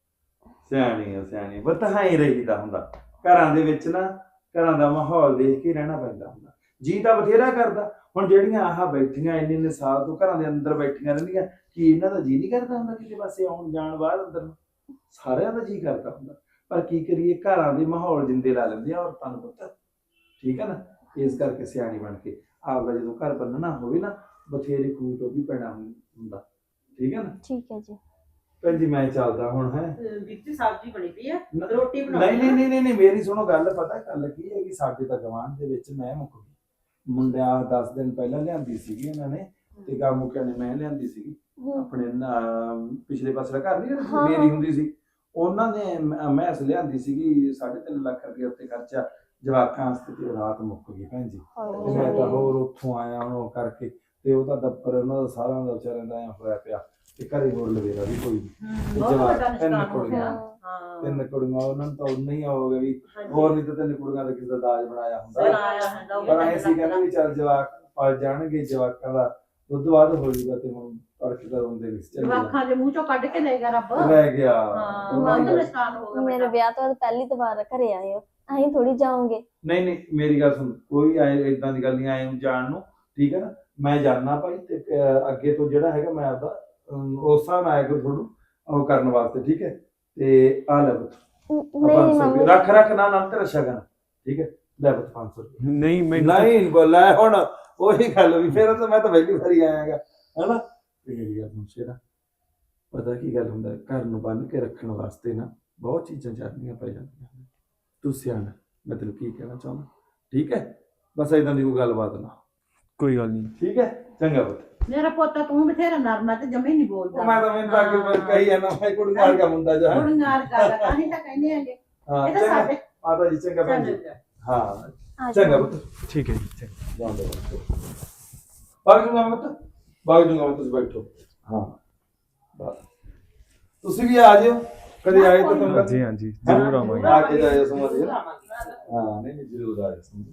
Speaker 5: ਸਿਆਣੀ ਆ ਸਿਆਣੀ ਆ। ਪਤਾ ਹੈ ਹੀ ਰਹੀਦਾ ਹੁੰਦਾ ਘਰਾਂ ਦੇ ਵਿੱਚ ਨਾ, ਘਰਾਂ ਦਾ ਮਾਹੌਲ ਦੇਖ ਕੇ ਰਹਿਣਾ ਪੈਂਦਾ ਹੁੰਦਾ। ਜੀ ਤਾਂ ਬਥੇਰਾ ਕਰਦਾ, ਹੁਣ ਜਿਹੜੀਆਂ ਆਹ ਬੈਠੀਆਂ ਇੰਨੇ ਇੰਨੇ ਸਾਲ ਤੋਂ ਘਰਾਂ ਦੇ ਅੰਦਰ ਬੈਠੀਆਂ ਰਹਿੰਦੀਆਂ, ਕੀ ਇਹਨਾਂ ਦਾ ਜੀ ਨਹੀਂ ਕਰਦਾ ਹੁੰਦਾ ਕਿਸੇ ਪਾਸੇ ਆਉਣ ਜਾਣ ਬਾਹਰ ਅੰਦਰ ਨੂੰ? ਸਾਰਿਆਂ ਦਾ ਜੀ ਕਰਦਾ ਹੁੰਦਾ, ਪਰ ਕੀ ਕਰੀਏ ਘਰਾਂ ਦੇ ਮਾਹੌਲ ਜਿੰਦੇ ਲਾ ਲੈਂਦੇ ਆ ਔਰਤਾਂ ਨੂੰ ਪੁੱਤ, ਠੀਕ ਹੈ ਨਾ। ਇਸ ਕਰਕੇ ਸਿਆਣੀ ਬਣ ਕੇ ਆਪਦਾ ਜਦੋਂ ਘਰ ਬੰਨਣਾ ਹੋਵੇ ਨਾ ਬਥੇਰੇ ਖੂਹ ਤੋਂ ਵੀ ਪੈਣਾ ਹੁੰਦਾ, ਠੀਕ ਹੈ ਨਾ।
Speaker 1: ਠੀਕ ਹੈ ਜੀ।
Speaker 5: ਭੈਣ ਜੀ ਮੈਂ ਚੱਲਦਾ ਹੁਣ ਹੈ।
Speaker 4: ਅਹ, ਵਿੱਚ ਸਬਜ਼ੀ ਬਣੀ ਪਈ ਆ,
Speaker 5: ਨ-
Speaker 4: ਰੋਟੀ ਬਣਾਉਣੀ
Speaker 5: ਨਹੀਂ ਨਹੀਂ ਨਹੀਂ ਨਹੀਂ ਨਹੀਂ, ਮੇਰੀ ਸੁਣੋ ਗੱਲ। ਪਤਾ ਗੱਲ ਕੀ ਹੈ ਕਿ ਸਾਡੇ ਤਾਂ ਗਵਾਂਢ ਦੇ ਵਿੱਚ ਮੈਂ ਮੁੱਕ ਗਈ, ਮੁੰਡਿਆਂ ਦਸ ਦਿਨ ਪਹਿਲਾਂ ਲਿਆਂਦੀ ਸੀਗੀ ਇਹਨਾਂ ਨੇ, ਤੇ ਗਾ ਮੁੱਕਿਆਂ ਨੇ ਮੈਂ ਲਿਆਂਦੀ ਸੀਗੀ
Speaker 1: ਹਮ,
Speaker 5: ਆਪਣੇ ਨਾ ਪਿਛਲੇ ਪਾਸੇ ਦਾ ਘਰ ਨਹੀਂ
Speaker 1: ਹਾਂ,
Speaker 5: ਜਿਹੜਾ ਮੇਰੀ
Speaker 1: ਹਾਂ।
Speaker 5: ਹੁੰਦੀ ਸੀ, ਉਹਨਾਂ ਨੇ ਮ- ਮੈਸ ਲਿਆਂਦੀ ਸੀਗੀ ਸਾਢੇ ਤਿੰਨ ਲੱਖ ਰੁਪਏ ਉੱਤੇ ਖਰਚਾ ਜਵਾਕਾਂ ਵਾਸਤੇ, ਤੇ ਰਾਤ ਮੁੱਕ ਗਈ ਭੈਣ ਜੀ। ਤੇ ਮੈਂ ਤਾਂ ਹੋਰ ਉੱਥੋਂ ਆਇਆ ਹੁਣ ਉਹ ਕਰਕੇ, ਤੇ ਉਹਦਾ ਦੱਪਰ ਉਹਨਾਂ ਦਾ ਸਾਰਿਆਂ ਦਾ ਵਿਚਾਰਿਆਂ ਦਾ ਐਂ ਹੋਇਆ ਪਿਆ, ਤੇ ਘਰੇ ਹੋਰ ਲਵੇਰਾ ਵੀ ਕੋਈ ਨੀ। ਤੇ
Speaker 3: ਬਹੁਤ
Speaker 5: ਜਵਾਕ
Speaker 3: ਵੱਡਾ
Speaker 5: ਤਿੰਨ
Speaker 3: ਨੁਕਸਾਨ ਹੋ
Speaker 5: ਕੁੜੀਆਂ
Speaker 3: ਗਿਆ।
Speaker 4: ਹਾਂ
Speaker 5: ਤਿੰਨ ਕੁੜੀਆਂ ਉਹਨਾਂ ਨੂੰ ਤਾਂ ਉਨਾ ਹੀ ਹੋ ਗਿਆ ਵੀ
Speaker 4: ਹਾਂਜੀ।
Speaker 5: ਹੋਰ ਨਹੀਂ ਤਾਂ ਤਿੰਨ ਕੁੜੀਆਂ ਦਾ ਕਿਸੇ ਦਾ ਦਾਜ ਬਣਾਇਆ ਹੁੰਦਾ।
Speaker 3: ਬਣਾਇਆ ਹੁੰਦਾ ਉਹ
Speaker 5: ਪਰ
Speaker 3: ਵੀ
Speaker 5: ਐਂ ਸੀ ਕਹਿੰਦੇ ਵੀ ਚੱਲ ਜਵਾਕ ਪਲ ਜਾਣਗੇ, ਜਵਾਕਾਂ ਦਾ ਦੁੱਧ ਬਾਅਦ ਹੋ ਜਾਊਗਾ, ਤੇ ਹੁਣ ਤੜਕੇ ਦਾ ਰੋਂਦੇ ਨਹੀਂ ਚੱਲ
Speaker 3: ਜਵਾਕਾਂ ਦੇ ਮੂੰਹ ਚੋਂ ਕੱਢ ਕੇ ਲੈ ਗਿਆ ਰੱਬ।
Speaker 5: ਰਹਿ ਗਿਆ।
Speaker 3: ਹਾਂ
Speaker 5: ਉਹਨਾਂ
Speaker 3: ਬਹੁਤ
Speaker 5: ਦੀ ਗੱਲ-
Speaker 3: ਨੁਕਸਾਨ ਹੋ ਗਿਆ
Speaker 1: ਮੇਰੇ
Speaker 3: ਬੇਟਾ।
Speaker 1: ਵਿਆਹ ਤੋਂ ਬਾਅਦ ਪਹਿਲੀ ਵਾਰ ਘਰੇ ਆਏ ਹੋ, ਅਸੀਂ ਥੋੜੀ ਜਾਓਗੇ।
Speaker 5: ਨਹੀਂ ਨਹੀਂ ਮੇਰੀ ਗੱਲ ਸੁਣ, ਕੋਈ ਐ ਇਦਾਂ ਦੀ ਗੱਲ ਨਹੀਂ ਆਏ ਨੂੰ ਜਾਣ ਨੂੰ, ਠੀਕ ਹੈ ਨਾ। ਮੈਂ ਜਾਣਨਾ ਭਾਈ, ਤੇ ਅਹ, ਅੱਗੇ ਤੋਂ ਜਿਹੜਾ ਹੈਗਾ ਮੈਂ ਆਪਦਾ ਅਮ, ਉਸ ਹਿਸਾਬ ਨਾਲ ਆਇਆ ਕਰ ਤੁਹਾਨੂੰ ਉਹ ਕਰਨ ਵਾਸਤੇ, ਠੀਕ ਹੈ। ਤੇ ਆ ਲੈ ਪੁੱਤ
Speaker 1: ਨ-
Speaker 5: ਆਹ
Speaker 1: ਨਹੀਂ
Speaker 5: ਪੰਜ ਸੌ
Speaker 1: ਮੰਮੀ
Speaker 5: ਰੁਪਏ ਰੱਖ ਰੱਖ ਨਾ ਨਾ ਤੇਰਾ ਸ਼ਗਨ, ਠੀਕ ਹੈ। ਲੈ ਪੁੱਤ ਪੰਜ ਸੌ ਰੁਪਏ।
Speaker 2: ਨਹੀਂ ਮੈਨੂੰ
Speaker 5: ਨਹੀਂ ਬੋਲਾ ਹੁਣ ਉਹੀ ਗੱਲ ਵੀ ਫਿਰ ਤਾਂ ਮੈਂ ਤਾਂ ਪਹਿਲੀ ਵਾਰੀ ਆਇਆਗਾ, ਹਨਾ। ਤੇ ਮੇਰੀ ਗੱਲ ਸੁਣ ਸ਼ੇਰਾ, ਪਤਾ ਕੀ ਗੱਲ ਹੁੰਦਾ, ਘਰ ਨੂੰ ਬੰਨ ਕੇ ਰੱਖਣ ਵਾਸਤੇ ਨਾ ਬਹੁਤ ਚੀਜ਼ਾਂ ਚਾਹੀਦੀਆਂ ਪੈ ਜਾਂਦੀਆਂ ਨੇ। ਤੂੰ ਸਿਆਣਾ, ਮੈਂ ਤੈਨੂੰ ਕੀ ਕਹਿਣਾ ਚਾਹੁੰਦਾ, ਠੀਕ ਹੈ। ਬਸ ਏਦਾਂ ਦੀ ਕੋਈ ਗੱਲਬਾਤ ਨਾ,
Speaker 2: ਕੋਈ ਗੱਲ ਨਹੀਂ।
Speaker 5: ਠੀਕ ਹੈ। ਚੰਗਾ ਪੁੱਤ।
Speaker 3: ਮੇਰਾ ਪੋਤਾ ਤੂੰ ਬਥੇਰਾ ਨਰਮ ਹੈ ਤੇ ਜਮੇ ਨਹੀਂ ਬੋਲਦਾ।
Speaker 5: ਮੈਂ ਤਾਂ ਮੈਨੂੰ ਤਾਂ ਅੱਗੇ ਕਹੀ ਜਾਂਦਾ ਮੈਂ ਕੁੜੀ ਨਾਲ ਕੰਮ ਹੁੰਦਾ ਜਾ।
Speaker 3: ਹੁਣ ਨਾਰ ਕਰ ਤਾਂ ਹੀ ਤਾਂ ਕਹਿੰਦੇ ਆਂਗੇ
Speaker 5: ਹਾਂ
Speaker 3: ਇਹ ਤਾਂ
Speaker 5: ਚੰਗਾ
Speaker 3: ਸਾਡੇ
Speaker 5: ਮਾਤਾ ਜੀ, ਚੰਗਾ ਭੈਣ ਜੀ।
Speaker 3: ਚੱਲ
Speaker 5: ਹਾਂ
Speaker 1: ਆ
Speaker 5: ਚੰਗਾ
Speaker 1: ਜਾਓ।
Speaker 5: ਪੁੱਤ,
Speaker 2: ਠੀਕ ਹੈ ਜੀ, ਚੰਗਾ।
Speaker 5: ਜਾਂਦੇ ਬਾਗ ਜੂਗਾ ਮੈਂ ਪੁੱਤ, ਬਾਗ ਜੂਗਾ ਮੈਂ, ਤੁਸੀਂ ਬੈਠੋ। ਹਾਂ ਬਸ ਤੁਸੀਂ ਵੀ ਆ ਜਿਓ ਕਦੇ ਆਏ ਤਾਂ ਤੁਹਾਨੂੰ
Speaker 2: ਹਾਂਜੀ ਹਾਂਜੀ ਜ਼ਰੂਰ ਆਵਾਂਗੇ।
Speaker 5: ਆ ਕੇ ਜਾਇਓ ਸਮਝ
Speaker 4: ਜ਼ਰੂਰ
Speaker 5: ਨਾ।
Speaker 4: ਆਵਾਂਗੇ।
Speaker 5: ਹਾਂ ਨਹੀਂ ਨਹੀਂ ਜ਼ਰੂਰ ਆਇਓ ਸਮਝ।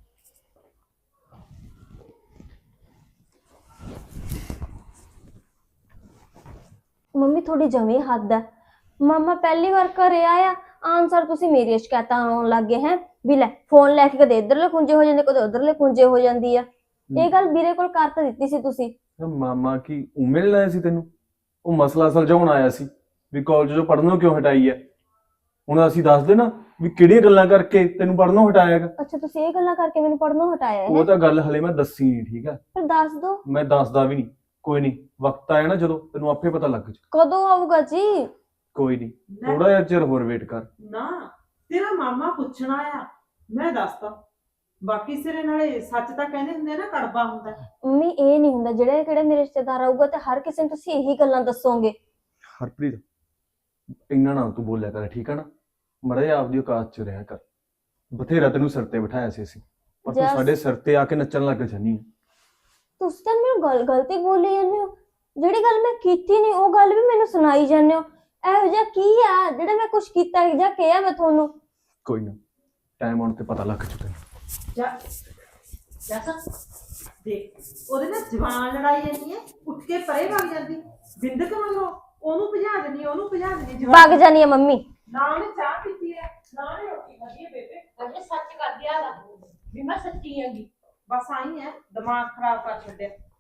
Speaker 1: ਮੰਮੀ ਥੋੜੀ ਜਮੀ ਹੱਦ ਹੈ। ਮਾਮਾ ਪਹਿਲੀ ਵਾਰ ਘਰੇ ਆਇਆ, ਆਨਸਰ ਤੁਸੀਂ ਮੇਰੀਆਂ ਸ਼ਿਕਾਇਤਾਂ ਆਉਣ ਲੱਗ ਗਏ ਹੈ ਵੀ ਲੈ ਫੋਨ ਲੈ ਕੇ ਕਦੇ ਇੱਧਰਲੇ ਖੁੰਝੇ ਹੋ ਜਾਂਦੇ, ਕਦੇ ਉੱਧਰਲੇ ਖੁੰਝੇ ਹੋ ਜਾਂਦੀ ਆ। ਇਹ ਗੱਲ ਵੀਰੇ ਕੋਲ ਕਰ ਤਾਂ ਦਿੱਤੀ ਸੀ ਤੁਸੀਂ।
Speaker 2: ਤਾਂ ਮਾਮਾ ਕੀ ਉਹ ਮਿਲਣ ਆਇਆ ਸੀ ਤੈਨੂੰ? ਉਹ ਮਸਲਾ ਸੁਲਝਾਉਣ ਆਇਆ ਸੀ ਵੀ ਕਾਲਜ ਚੋਂ ਪੜ੍ਹਨੋਂ ਕਿਉਂ ਹਟਾਈ ਹੈ। ਹੁਣ ਅਸੀਂ ਦੱਸ ਦੇ ਨਾ ਵੀ ਕਿਹੜੀਆਂ ਗੱਲਾਂ ਕਰਕੇ ਤੈਨੂੰ ਪੜ੍ਹਨੋਂ ਹਟਾਇਆ ਹੈਗਾ।
Speaker 1: ਅੱਛਾ ਤੁਸੀਂ ਇਹ ਗੱਲਾਂ ਕਰਕੇ ਮੈਨੂੰ ਪੜ੍ਹਨੋਂ ਹਟਾਇਆ
Speaker 2: ਉਹ
Speaker 1: ਹੈ,
Speaker 2: ਤਾਂ ਗੱਲ ਹਲੇ ਮੈਂ ਦੱਸੀ ਨਹੀਂ, ਠੀਕ ਹੈ।
Speaker 1: ਫਿਰ ਦੱਸ ਦੋ।
Speaker 2: ਮੈਂ ਦੱਸਦਾ ਵੀ ਨਹੀਂ, ਕੋਈ ਨਹੀਂ, ਵਕਤ ਆਇਆ ਨਾ ਜਦੋਂ ਤੈਨੂੰ ਆਪੇ ਪਤਾ ਲੱਗ ਜਾ।
Speaker 1: ਕਦੋਂ ਆਊਗਾ ਜੀ?
Speaker 2: ਕੋਈ ਨਹੀਂ,
Speaker 4: ਲੈ,
Speaker 2: ਥੋੜਾ ਜਿਹਾ ਚਿਰ ਹੋਰ ਵੇਟ ਕਰ।
Speaker 4: ਨਾ ਤੇਰਾ ਮਾਮਾ ਪੁੱਛਣਾ ਆ, ਮੈਂ ਦੱਸਦਾ। ਬਾਕੀ ਸਿਰੇ ਨਾਲੇ ਸੱਚ ਤਾਂ ਕਹਿੰਦੇ ਹੁੰਦੇ ਆ ਨਾ, ਕੜਵਾ ਹੁੰਦਾ।
Speaker 1: ਮੰਮੀ ਇਹ ਨਹੀਂ ਹੁੰਦਾ, ਜਿਹੜੇ ਕਿਹੜੇ ਮੇਰੇ ਰਿਸ਼ਤੇਦਾਰ ਆਊਗਾ ਤੇ ਹਰ ਕਿਸੇ ਨੂੰ ਤੁਸੀਂ ਇਹੀ ਗੱਲਾਂ ਦੱਸੋਗੇ।
Speaker 2: ਹਰਪ੍ਰੀਤ ਇੰਨਾ ਨਾ ਤੂੰ ਬੋਲਿਆ ਕਰ, ਠੀਕ ਆ ਨਾ? ਮੜਾ ਜਿਹਾ ਆਪਦੀ ਔਕਾਤ 'ਚ ਰਿਹਾ ਕਰ। ਬਥੇਰਾ ਤੈਨੂੰ ਸਿਰ ਤੇ ਬਿਠਾਇਆ ਸੀ ਅਸੀਂ, ਪਰ ਤੂੰ
Speaker 1: ਜਸ-
Speaker 2: ਸਾਡੇ ਸਿਰ ਤੇ ਆ ਕੇ ਨੱਚਣ ਲੱਗ ਜਾਨੀ ਆ।
Speaker 1: ਤੁਸੀਂ ਤਾਂ ਮੈਨੂੰ ਗੱਲ ਗਲਤੀ ਬੋਲੀ ਜਾਂਦੇ ਹੋ। ਜਿਹੜੀ ਗੱਲ ਮੈਂ ਕੀਤੀ ਨਹੀਂ ਉਹ ਗੱਲ ਵੀ ਮੈਨੂੰ ਸੁਣਾਈ ਜਾਂਦੇ ਹੋ। ਇਹੋ ਜਿਹਾ ਕੀ ਆ ਜਿਹੜਾ ਮੈਂ ਕੁਝ ਕੀਤਾ ਜਾਂ ਕਿਹਾ ਮੈਂ ਤੁਹਾਨੂੰ?
Speaker 2: ਕੋਈ ਨਾ, ਟਾਈਮ ਆਉਣ ਤੇ ਪਤਾ ਲੱਗ ਚੁੱਕਾ।
Speaker 4: ਜਾ ਜੱਸ ਦੇਖ, ਉਹਦੇ ਨਾਲ ਜਵਾਨ ਲੜਾਈ ਜਾਂਦੀ ਹੈ, ਉੱਠ ਕੇ ਪਰੇ ਵਗ ਜਾਂਦੀ ਬਿੰਦਕ ਮਗਰੋਂ, ਉਹਨੂੰ ਭਜਾ ਦਿੰਦੀ, ਉਹਨੂੰ ਭਜਾ ਦਿੰਦੀ।
Speaker 1: ਵਗ ਜਾਨੀ ਆ ਮੰਮੀ।
Speaker 4: ਨਾ ਉਹਨੇ ਚਾਹ ਪੀਤੀ ਹੈ, ਨਾ ਉਹਨੇ ਰੋਟੀ ਖਾਧੀ ਹੈ। ਬੇਬੇ
Speaker 3: ਅਜੇ ਸੱਚ ਕਰ ਗਿਆ ਵੀ ਮੈਂ ਸੱਚੀ ਹੈਗੀ।
Speaker 4: ਬਸ ਆਈ ਹੈ, ਦਿਮਾਗ ਖਰਾਬ ਕਰ ਛੱਡਿਆ।